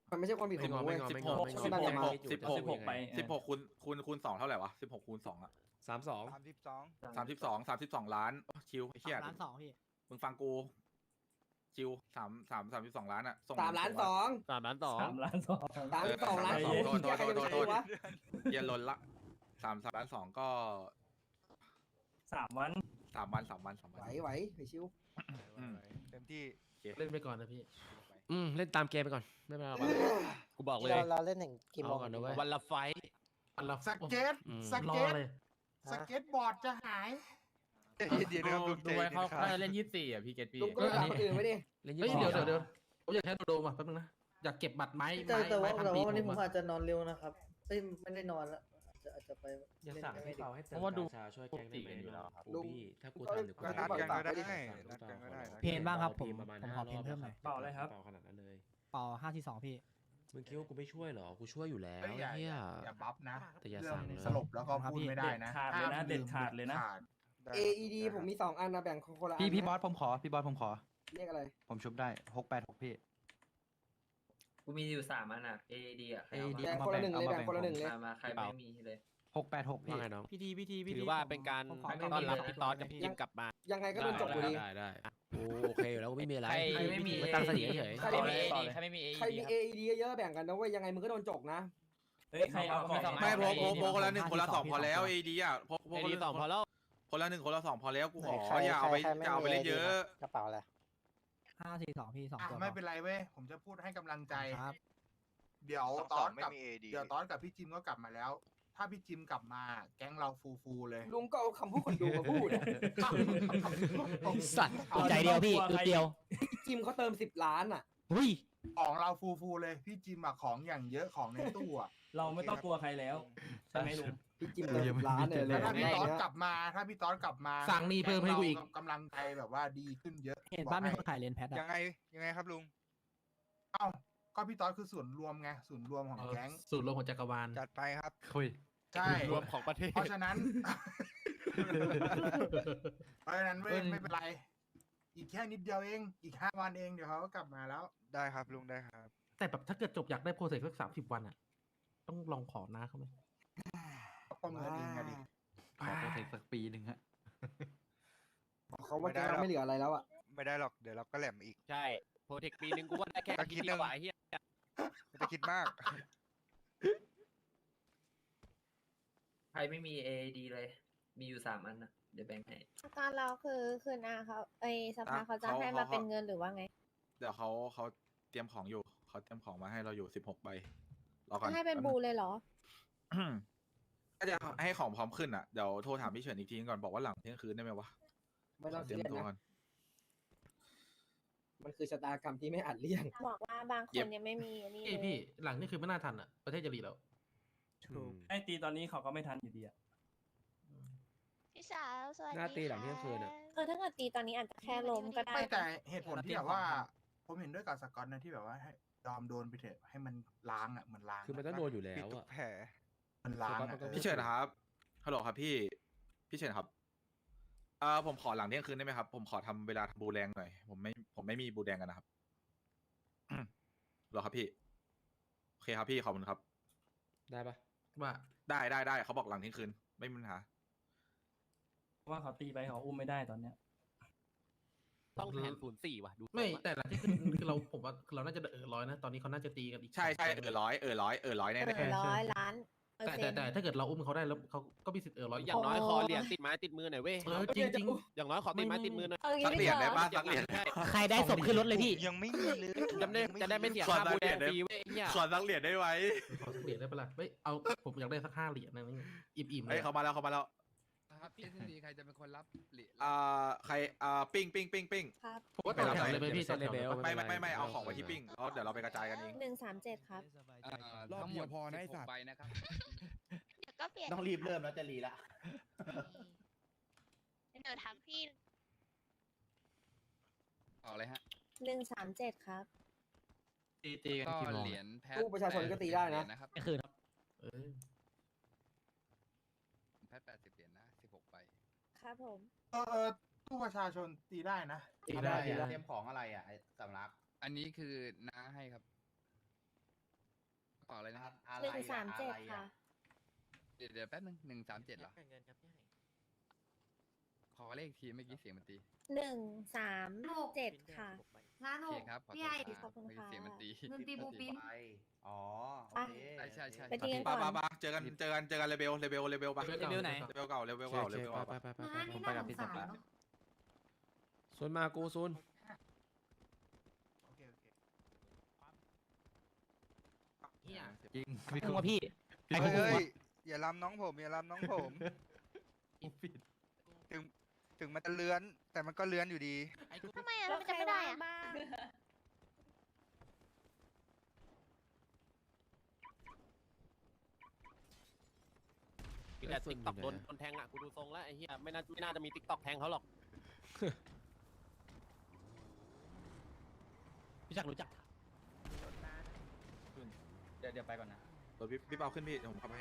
Speaker 14: มันไม่ใช่ความผิดของ
Speaker 8: ไม่
Speaker 14: เว้ย
Speaker 8: งอ
Speaker 1: สิ
Speaker 8: ไม่
Speaker 1: บ
Speaker 8: ง
Speaker 1: ห
Speaker 8: อก ไม่งอ
Speaker 1: สิบ
Speaker 8: ไม่
Speaker 1: ห
Speaker 8: ง
Speaker 1: ก
Speaker 8: อ
Speaker 1: สิบหก
Speaker 8: สิบหกไป
Speaker 1: สิบหกคูณคูณคูณสองเท่าไหร่วะสิบหกคูณสองอะ
Speaker 8: สามสอง
Speaker 3: สามสิบสอง
Speaker 1: สามสิบสองสามสิบสองล้านโอ้ชิวไอ้เหี้ย
Speaker 9: ล้านสองพี่
Speaker 1: มึงฟังกูชิวสามสามสามสิบสองล้านอะส่ง
Speaker 14: สามล้านสอง
Speaker 4: สามล้านสอง
Speaker 5: สามล้านสอง
Speaker 14: สามสิบสองล้าน
Speaker 1: เอ
Speaker 14: สอ
Speaker 1: อง โทษโทษโทษโทษโทษ
Speaker 14: วะ
Speaker 1: เย็นลนละสามสามล้านสองก็
Speaker 5: สามวัน
Speaker 1: สามวันสามวันสามวัน
Speaker 14: ไหวไหวไปชิว
Speaker 1: อืม
Speaker 3: เต็มที่
Speaker 5: เล่นไปก่อนนะพี่
Speaker 8: อืมเล่นตามเกมไปก่อนไม่เป็นไรหรอก
Speaker 4: กูบอกเลย
Speaker 14: เราเราเล่นถึงกี่โม
Speaker 8: เอา
Speaker 14: ง
Speaker 8: ก่อนนะเว้ย
Speaker 4: วันละไฟท์
Speaker 2: สเก็ต
Speaker 8: อืม
Speaker 2: ส
Speaker 5: รอ
Speaker 2: เก็ต
Speaker 5: เลย
Speaker 2: สเก็ตบอร์ดจะหาย
Speaker 3: เดี๋ยวนะครับลุง
Speaker 5: ดูไว้เขา
Speaker 3: ใจ
Speaker 5: เขา
Speaker 3: เย็นครับ
Speaker 5: จะเล่นยี่สิบสี่อ่ะพี่เกตพี่
Speaker 14: ลุงก็ไปถามคนอื่นไว้ดิ
Speaker 8: เล่นยี่
Speaker 5: เฮ้ย
Speaker 8: สิบ
Speaker 5: เดี๋ยว
Speaker 8: สอง
Speaker 5: เดี๋ยวเดี๋ยวผมอยากให้โดมาแป๊บนึงนะ อยากเก็บบัตรไม้
Speaker 14: แต่
Speaker 5: ไม้
Speaker 14: แต่ว่า
Speaker 5: ไม้พัน
Speaker 14: แต่
Speaker 5: ปี
Speaker 14: ว่าวันนี้ผม
Speaker 5: อะ
Speaker 14: อาจจะนอนเร็วนะครับเอ้ยไม่ได้นอนแล้วอาจจะอาจจะไป
Speaker 8: อย่า
Speaker 14: เล่น
Speaker 8: สั่ง
Speaker 14: กัน
Speaker 8: ให้
Speaker 14: ไม่ดี
Speaker 8: เขาให้เติม
Speaker 5: เพราะว่าดู
Speaker 8: กชาช่วยแกงได้ไหม
Speaker 5: อยู่แล้วครับ
Speaker 8: กูบี้ถ้ากูทำเดี๋ยวกู
Speaker 3: ก็นัดกันก็ได้นัดกันก็ได้นะ
Speaker 9: เพนบ้างครับผม
Speaker 8: ประมาณ
Speaker 9: ผม
Speaker 8: ห้า
Speaker 9: ขอเพน
Speaker 8: รอบ
Speaker 9: เพิ่มหน่อย
Speaker 8: เปล่าเลยครับเปล่าขนาดนั้นเลย
Speaker 9: เป่าห้าที่สองพี่
Speaker 8: มึงคิดว่ากูไม่ช่วยเหรอ กูช่วยอยู่แล้ว
Speaker 2: เอ้ยอย่า
Speaker 8: เฮีย
Speaker 2: อย่าบัฟนะ
Speaker 8: แต่อย่า
Speaker 2: เรื่
Speaker 8: สั่งเลย
Speaker 2: สลบแล้วก็พูดไม่ได้นะ
Speaker 5: ขาดเลยนะ
Speaker 2: ห้าม
Speaker 5: เด็ดขาดเลยนะ
Speaker 2: ขาด
Speaker 3: ได้
Speaker 14: เอ อี ดี ผมมีสองอันนะแบ่งคนละอัน
Speaker 5: พี่พี่
Speaker 14: นะ
Speaker 5: บอสผมขอพี่บอสผมขอ
Speaker 14: เรียกอะไร
Speaker 5: ผมชุบได้หกแปดหกพี่
Speaker 10: กูมีอยู่สามอันอ่ะ เอ ดี อ่ะ
Speaker 5: เอ ดี
Speaker 14: แบ่งคนละหนึ่งเลยแบ่งคนละหนึ่งเลย
Speaker 10: มามาใครไม่มีเลย
Speaker 5: หกแปดหกพี่
Speaker 8: ว่าไงน้อง
Speaker 9: พิธีพิธีพิธี
Speaker 4: ถือว่าเป็นการ
Speaker 9: ผมขอ
Speaker 4: ต้อนรับ
Speaker 9: ข
Speaker 4: พี่ตอดกับ
Speaker 9: พี่
Speaker 4: พี่จิมกลับมา
Speaker 14: ยังไงก็โดนจบอยู่ดี
Speaker 8: ได้ได้กูโอเคอยู่แล้วกูไม่มีอะไร
Speaker 10: ใครไม่มี
Speaker 8: ไม่ตั้งสติเฉย
Speaker 14: ใคร
Speaker 10: ต่อ
Speaker 14: ไม่
Speaker 10: เล
Speaker 14: มี
Speaker 10: ยต่อเลยใครไม่มี
Speaker 14: ใครมี เอ อี ดี เยอะๆแบ่งกันนะเว้ยยังไงมึงก็โดนจกนะ
Speaker 10: เฮ้ยใครเอาของ
Speaker 1: ไม่โพกโพกโพกคนละหนึ่งคนละสองพอแล้วเอดีอ่ะโพกโพ
Speaker 4: เอก ดีสองพอแล้ว
Speaker 1: คนละหนึ่งคนละสองพอแล้วกูขอ
Speaker 14: ใคร
Speaker 1: อย่าเอาไป
Speaker 14: ใครไม่
Speaker 1: อย่าเอาไป
Speaker 14: มี
Speaker 1: เล่นเยอะ
Speaker 14: กระเป๋าอะไร
Speaker 9: ห้าสี่สองพี่สอง
Speaker 2: อ่ะ
Speaker 9: ตัว
Speaker 2: ไม่เป็นไรเว้ย ผมจะพูดให้กำลังใจ
Speaker 9: ครับ
Speaker 2: เดี๋ยว
Speaker 3: สอง
Speaker 2: ต
Speaker 3: ส
Speaker 2: อ
Speaker 3: อง
Speaker 2: น
Speaker 3: ไม่
Speaker 2: กับ
Speaker 3: มี เอ ดี
Speaker 2: เดี๋ยวตอนกับพี่จิมก็กลับมาแล้ว ถ้าพี่จิมกลับมา แก๊งเราฟูฟูๆเลย
Speaker 14: ลุงก็เอาคำพูดคนดูมาพูดอะ
Speaker 9: สัตว์ใจเดียวพี่อึดเดียว
Speaker 14: พี่จิมเขาเติมสิบล้านอ่ะ
Speaker 9: เฮ้ย
Speaker 2: ของเราฟูฟูๆเลย พี่จิมอะของอย่างเยอะของในตู้อะ
Speaker 5: เราไม่ต้องกลัวใครแล้วใช่ไหมลุง
Speaker 14: พี่จิมเติมสิบล้านเลยเล
Speaker 2: แล้
Speaker 14: ยว
Speaker 2: ถ้าพี่
Speaker 14: แร
Speaker 2: ตอน
Speaker 14: เนี้ย
Speaker 2: กลับมา ถ้าพี่ตอนกลับมา
Speaker 5: สั่งนี่เพิ่มให้กูอีก
Speaker 2: แงเรากำลังใจแบบว่าดีขึ้นเยอะ
Speaker 9: เห็น
Speaker 2: บอก
Speaker 9: บ้านมี
Speaker 2: ให้
Speaker 9: คนขายเลนแพท
Speaker 3: ยั
Speaker 9: อะ
Speaker 3: งไงยังไงครับลุง
Speaker 2: เอ้าก็พี่ตอนคือส่วนรวมไงส่วนรวมของแก๊ง
Speaker 5: สูตรรวมของจักรวาล
Speaker 3: จัดไปครับ
Speaker 5: คุย
Speaker 2: ใช่
Speaker 4: รวมของประเทศ
Speaker 2: เพราะฉะนั้น เพราะฉะนั้นเว้ย
Speaker 5: เอ้ย
Speaker 2: ไม่เป็นไร อีกแค่นิดเดียวเอง อีกห้าวันเองเดี๋ยวเขาก็กลับมาแล้ว
Speaker 3: ได้ครับลุงได้ครับ
Speaker 5: แต่แบบถ้าเกิดจบอยากได้โปรเซสสักสามสิบวันอ่ะ ต้องลองขอน้าเขาไหม
Speaker 2: ประเมินเองอะดิ
Speaker 5: ขอโปรเซสสักปีหนึ่งฮะ
Speaker 14: เขาว่าแกไม่เหลืออะไรแล้วอ่ะ
Speaker 3: ไม่ได้หรอกเดี๋ยวเราก็แหลมอีก
Speaker 4: ใช่โปรเทคปีนึงกูว่าได้แค่
Speaker 3: ก็คิ
Speaker 4: คิ
Speaker 3: ด
Speaker 4: ด
Speaker 3: เรื่
Speaker 4: เดี
Speaker 3: อย ง
Speaker 4: วกว่าไอ้เหี้ย
Speaker 3: ไม่ต้องคิดมาก
Speaker 10: ใครไม่มี เอ ดี เลย มีอยู่สามอันนะเดี๋ยวแบ่งให้
Speaker 7: อาการเราคือคืนอาเขาเอยสภา
Speaker 1: อ่ะ
Speaker 7: เขาจะ
Speaker 1: เขา
Speaker 7: ให้
Speaker 1: เขา
Speaker 7: มาเป็น
Speaker 1: เขา
Speaker 7: เงินหรือว่าไง
Speaker 1: เดี๋ยวเขาเขาเตรียมของอยู่เขาเตรียมของมาให้เราอยู่สิบหกใบรอก่อน
Speaker 7: จะให้เป็น
Speaker 1: แป๊
Speaker 7: บู
Speaker 1: ง
Speaker 7: เลยเหรอ
Speaker 1: ก็จะให้ของพร้อมขึ้นอ่ะเดี๋ยวโทรถามพี่เฉินอีกทีก่อนบอกว่าหลังเที่ยงคืนได้ไหมวะ
Speaker 14: ไม่ต้อง
Speaker 1: ขเตรียม
Speaker 14: เครียด
Speaker 1: ตัว
Speaker 14: นะ
Speaker 1: ก่อน
Speaker 14: มันคือชะตากรรมที่ไม่อาจเลี่ยง
Speaker 7: บอกว่าบางค
Speaker 1: เย็
Speaker 7: น
Speaker 1: บ
Speaker 7: ยังไม่มีอันนี้
Speaker 5: พี่
Speaker 7: เลย
Speaker 5: พี่หลังนี่คือไม่น่าทันอ่ะ ประเทศจะรีแล้ว
Speaker 8: อืม
Speaker 5: ไอตีตอนนี้เขาก็ไม่ทันอยู่ดีอ่ะ
Speaker 7: พี่สาวสวัสดี
Speaker 8: หน้าตีหลังเที่ยงคืนอะ
Speaker 7: เออถ้าเกิดตีตอนนี้อาจจะแค่ล้มก็ได้
Speaker 2: ไม่แต่
Speaker 7: นะ
Speaker 2: เหตุผลที่แบบว่า ผมเห็นด้วยกับสกอตนะที่แบบว่าให้ยอมโดนไปเถอะให้มันล้างอ่ะเหมือนล้าง
Speaker 8: คือมันต้องโดนอยู่แล้
Speaker 3: ปิด
Speaker 8: ว
Speaker 3: ทุ
Speaker 8: อะ
Speaker 3: กแผล
Speaker 2: มันล้าง
Speaker 8: สก๊อต
Speaker 2: อะ
Speaker 8: มันก็
Speaker 2: เออ
Speaker 1: พี่เฉินครับฮัลโหลครับพี่พี่เฉินครับเอ่อผมขอหลังเที่ยงคืนได้ไหมครับผมขอทำเวลาทำบูแดงหน่อยผมไม่ผมไม่มีบูแดงกันนะครับ เหรอครับพี่โอเคครับพี่ขอบคุณครับ
Speaker 8: ได้ปะ
Speaker 5: ว่า
Speaker 1: ได้ได้ได้เขาบอกหลังเที่ยงคืนไม่มีปัญหา
Speaker 5: ว่าเขาตีไปเขาอุ้มไม่ได้ตอนเนี้ย
Speaker 4: ต้องแทนศูนย์สี่ว่ะดู
Speaker 5: ไม่แต่หลังที่คือคือเราผมว่าเราน่าจะเออร้อยนะ ตอนนี้เขาน่าจะตีกันอีก
Speaker 1: ใช่ใช่เออร้อยเออร้อยเออร้อยแน่
Speaker 7: เอ
Speaker 1: แน่
Speaker 7: อร้อยล้านเปอร์
Speaker 5: แต่
Speaker 7: เซ็
Speaker 5: แต่
Speaker 7: นต์
Speaker 5: แต่ถ้าเกิดเราอุ้มเขาได้แล้วเขาก็มีสิทธิ์เออร้อย
Speaker 4: อย่างน้อย
Speaker 7: โอ้
Speaker 4: ขอเหรียญติดไม้ติดมือหน่อยเว้ย
Speaker 5: เออจริงจริง
Speaker 4: อย่างน้อยขอติดไม้ติดมือหน่อย
Speaker 7: เออ
Speaker 1: สักเหรียญได้ปะสักเหรียญ
Speaker 4: ใช่
Speaker 9: ใครได้ศพขึ้นรถเลยพี่
Speaker 3: ยังไม่มีเลย
Speaker 4: จะได้จะได้ไม่เสีย
Speaker 1: ขอ
Speaker 4: ค่า
Speaker 1: สัก
Speaker 4: บู
Speaker 1: เห
Speaker 4: แด
Speaker 1: รีย
Speaker 4: ง
Speaker 1: ญได้
Speaker 4: ฟรีเว้ยไอ้เหี้ย
Speaker 1: ขอสักเหรียญได้ไหม
Speaker 5: ขอสักเหรียญได้ปะล่ะเฮ้ยเอาผมอยากได้สักห้าเหรียญนะนี่อิ่มๆเล
Speaker 1: เฮ้ย
Speaker 5: ย
Speaker 1: เขามาแล้วเขามาแล้ว
Speaker 6: ครับเอสดีใครจะเป็นคนรับเหรียญ
Speaker 1: อ่าใครอ่าปิ้งปิ้งปิ้งปิ้ง
Speaker 7: ครับ
Speaker 5: ผมว่าต่อแถวเลยไหมพี่ต่อแถวเลยปะ
Speaker 1: ไม่ไม่ไม่ไม่เอาของไว้ที่ปิ้งแล้วเดี๋ยวเราไปกระจายกันเอง
Speaker 7: หนึ่งสามเจ็ดครับ
Speaker 12: รอบเดียวพอนะไอ้สัตว์
Speaker 6: ใบนะครับ
Speaker 7: เดี๋ยวก็เปลี่ยน
Speaker 12: ต้องรีบเริ่มแล้วจะรีละ
Speaker 7: เดี๋ยวทักพี่
Speaker 6: ออกเลยฮะ
Speaker 7: หนึ่งสามเจ็ดครับ
Speaker 5: ตีตีกัน
Speaker 6: ก็
Speaker 5: กี่โมง
Speaker 6: เหรียญแพท
Speaker 14: ตู้ประชาชนก็ตีได้นะ
Speaker 6: แปสิบเหรียญนะครับ
Speaker 9: ไม่คืนครับ
Speaker 5: เออ
Speaker 6: แพทแปดสิบเหรียญนะสิบหกใบ
Speaker 7: ครับผม
Speaker 2: เออเออตู้ประชาชนตีได้นะ
Speaker 14: ตีได้ตีได้
Speaker 12: เตรียมของอะไรอ่ะไอ้สำลัก
Speaker 6: อันนี้คือน้าให้ครับต่อเลยนะครับ
Speaker 13: หนึ่งสามเจ็ดค่ะ
Speaker 6: เดี๋ยวเดี๋ยวแป๊บนึงหนึ่งสามเจ็ดเหรอขอเลขทีเมื่อกี้เสียงมันตี
Speaker 13: หนึ่งสามเจ็ดค่ะ
Speaker 11: ร้าน
Speaker 6: โอ
Speaker 11: ห
Speaker 6: เค
Speaker 11: ก
Speaker 6: ครับขอโท
Speaker 11: พี่
Speaker 6: ษ
Speaker 11: ไอ
Speaker 6: ครับ
Speaker 13: ขอบคุณ
Speaker 6: เมื่อกี้
Speaker 13: ค่ะ
Speaker 6: เสียงมันตี
Speaker 11: เงินตีบูปิน
Speaker 14: อ๋อ โอเค
Speaker 6: ใช่ใช่ใช่
Speaker 13: ไปตีกัน
Speaker 1: ปะ
Speaker 13: ก่อน
Speaker 1: ปะปะเจอกันเจอกันเจอกันเลเบลเลเบลเลเบลปะ
Speaker 5: เลเวลไหน
Speaker 1: เลเบลเก่าเลเบล
Speaker 8: โอเค
Speaker 1: เก่า
Speaker 8: โอ
Speaker 1: เล
Speaker 8: เค
Speaker 1: เบล
Speaker 8: ไป
Speaker 1: เก่า
Speaker 8: ไปไปไป
Speaker 11: ม้า
Speaker 8: ไป
Speaker 11: นี่
Speaker 8: ผมไป
Speaker 11: น่า
Speaker 8: กับ
Speaker 11: ส
Speaker 8: พี่
Speaker 11: ง
Speaker 8: ส
Speaker 11: สาร
Speaker 8: กาย
Speaker 11: เนาะ
Speaker 8: ซุนมากูซุน
Speaker 9: โอเคโอเค
Speaker 10: เฮีย
Speaker 6: จริง
Speaker 5: มึงว่าพี่
Speaker 3: เฮ้ยเฮ้ยอย่าล้ำน้องผมอย่าล้ำน้องผม ถึงถึงมันจะเลื้อน แต่มันก็เลื้อนอยู่ดี
Speaker 13: ทำไมอ่ะมันจะไม่ได้อ่ะ
Speaker 4: แต่ติ๊กต็อกโดนโดนแทงอ่ะกูดูทรงแล้วไอ้เหี้ยไม่น่าไม่น่าจะมีติ๊กต็อกแทงเขาหรอก
Speaker 5: พี่จักรรู้จัก
Speaker 14: เดี๋ยวเดี๋ยวไปก่อนนะ
Speaker 1: ตัวพี่พี่เปาขึ้นพี่เดี๋ยวผมขับให้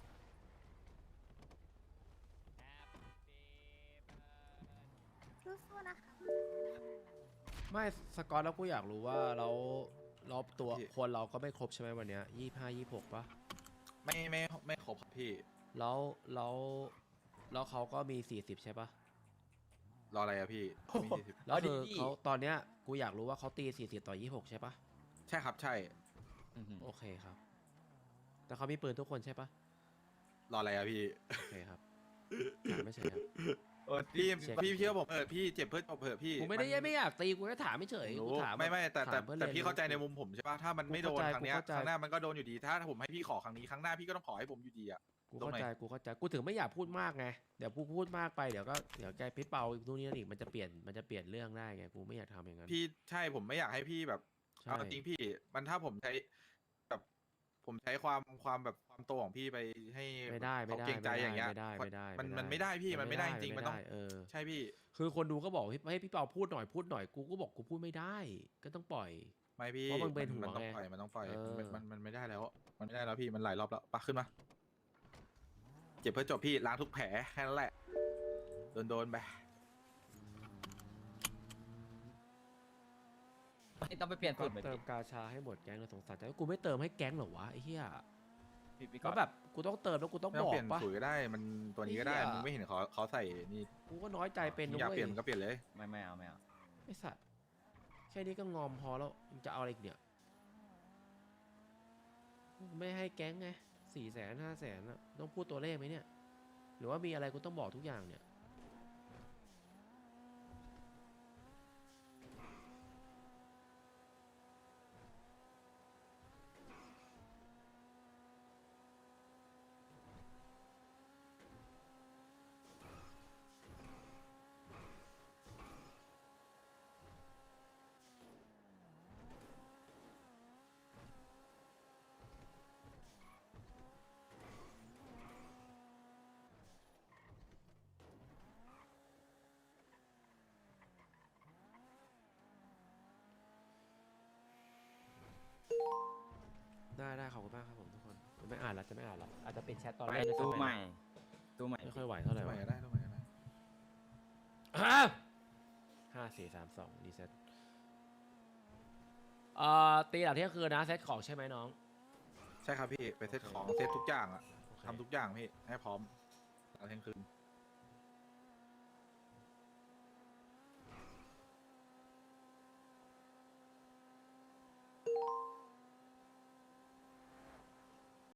Speaker 13: สู้ๆนะคะ
Speaker 8: ไม่สกอตแล้วกูอยากรู้ว่าเราเราตัวคนเราก็ไม่ครบใช่ไหมวันเนี้ยยี่ห้ายี่หกปะ
Speaker 1: ไม่ไม่ไม่ครบครับพี่
Speaker 8: แล้วแล้วแล้วเขาก็มีสี่สิบใช่ปะ
Speaker 1: รออะไรอะพี่มีสี่สิบ
Speaker 8: แล้วคือเขาตอนเนี้ยกูอยากรู้ว่าเขาตีสี่สิบต่อยี่หกใช่ปะ
Speaker 1: ใช่ครับใช่
Speaker 8: โอเคครับ แต่เขามีปืนทุกคนใช่ปะ
Speaker 1: รออะไรอะพี่
Speaker 8: โอเคครับถามไม่ใช่ครับ
Speaker 1: พี่
Speaker 8: เช็ค
Speaker 1: พี่เชื่อผมเออพี่เจ็บเพื่อจบเผื่อะพี่
Speaker 8: กูไม่ได้
Speaker 1: น
Speaker 8: ไม่อยากตีกูแค่ถามไม่เฉย
Speaker 1: รู้
Speaker 8: กูถาม
Speaker 1: ไม่ไม่แต่แต่
Speaker 8: ถามพื่อ
Speaker 1: แต่
Speaker 8: ล่น
Speaker 1: พี่เข้าใจในมุมผมใช่ปะถ้ามันไม่โดน
Speaker 8: กูเข้าใจ
Speaker 1: ครั้งเนี้ย
Speaker 8: กูเข้าใจ
Speaker 1: ครั้งหน้ามันก็โดนอยู่ดีถ้าผมให้พี่ขอครั้งนี้ครั้งหน้าพี่ก็ต้องขอให้ผมอยู่ดีอะ
Speaker 8: กูเข้าใจกูเข้าใจกูถึงไม่อยากพูดมากไงเดี๋ยวกูพูดมากไปเดี๋ยวก็เดี๋ยวแกพิเปาอีกนู่นนี่นั่นอีกมันจะเปลี่ยนมันจะเปลี่ยนเรื่องได้ไงกูไม่อยากทำอย่างนั้น
Speaker 1: พี่ใช่ผมไม่อยากให้พี่แบบ
Speaker 8: ใช่
Speaker 1: เอาจริงพี่มันถ้าผมใช้แบบผมใช้ความความแบบความโตของพี่ไปให้
Speaker 8: ไม่ได้ไม่
Speaker 1: เขา
Speaker 8: ได้
Speaker 1: เกรงใจอย่างเงี้ย
Speaker 8: ไม่ได้ไม่ได้
Speaker 1: มัน
Speaker 8: ไม่ได้
Speaker 1: มันไม่ได้พี่มันไม่ได้จริงๆมันต้อง
Speaker 8: เออ
Speaker 1: ใช่พี่
Speaker 8: คือคนดูก็บอกให้ให้พี่เปาพูดหน่อยพูดหน่อยกูก็บอกกูพูดไม่ได้ ก็ต้องปล่อย
Speaker 1: ไม่พี่
Speaker 8: เพราะมันเป็นหัว
Speaker 1: มันต้อง
Speaker 8: ไง
Speaker 1: ปล่อยมันต้องปล่อย
Speaker 8: เออ
Speaker 1: มันมันมันไม่ได้แล้ว มันไม่ได้แล้วพี่มันหลายรอบแล้วปะขึ้นมาเจ็บเพื่อจบพี่ล้างทุกแผลแค่นั้นแหละโดนโดนๆไป
Speaker 14: ต้องไปเปลี่ยน
Speaker 8: ก็
Speaker 14: สูตรไหม
Speaker 8: เติมกาชาให้หมดแก๊งเลยสงสารแต่ว่ากูไม่เติมให้แก๊งเหรอวะไอ้เหี้ย
Speaker 14: พี่พี่
Speaker 8: แล้วแบบกูต้องเติมแล้วกูต้อง
Speaker 1: ไม่
Speaker 8: บ
Speaker 1: ต้อง
Speaker 8: อ
Speaker 1: เป
Speaker 8: ก
Speaker 1: ลี่ยน
Speaker 8: ปะ
Speaker 1: สูตรก็ได้มันตัวนี้ก็ได้
Speaker 8: เหี้ย
Speaker 1: มึงไม่เห็นเขาเขาใส่นี่
Speaker 8: กูก็น้อยใจเป็น
Speaker 1: มึ
Speaker 8: นะ
Speaker 1: งอยาก
Speaker 8: เว้
Speaker 1: เปลี่ยนมันก็เปลี่ยนเลย
Speaker 14: ไม่ไม่เอาไม่เอา
Speaker 8: ไอ้สัตว์แค่นี้ก็งอมพอแล้วมึงจะเอาอะไรอีกเนี่ยไม่ให้แก๊งไงสี่แสนห้าแสนอะต้องพูดตัวเลขไหมเนี่ย หรือว่ามีอะไรกูต้องบอกทุกอย่างเนี่ย ได้ได้ขอบคุณมากครับผมทุกคนไม่อ่านละจะไม่อ่านละอาจจะเป็นแชทตอนแรก
Speaker 14: ตู้
Speaker 8: ด้วยซ้ำ
Speaker 14: ใหม่ตู้ใหม่
Speaker 8: ไม่ค่อยไหวเท่าไหร่
Speaker 1: ทำไม
Speaker 8: วะ
Speaker 1: ก็ได้ทำไมก็ได้
Speaker 8: ห้าห้าสี่สามสองรีเซ็ตเอ่อตีหลังเที่ยงคืนนะเซตของใช่ไหมน้อง
Speaker 1: ใช่ครับพี่ไปเซตของเซตทุกอย่างอะทำทุกอย่างพี่ให้พร้อมหลังเที่ยงคืน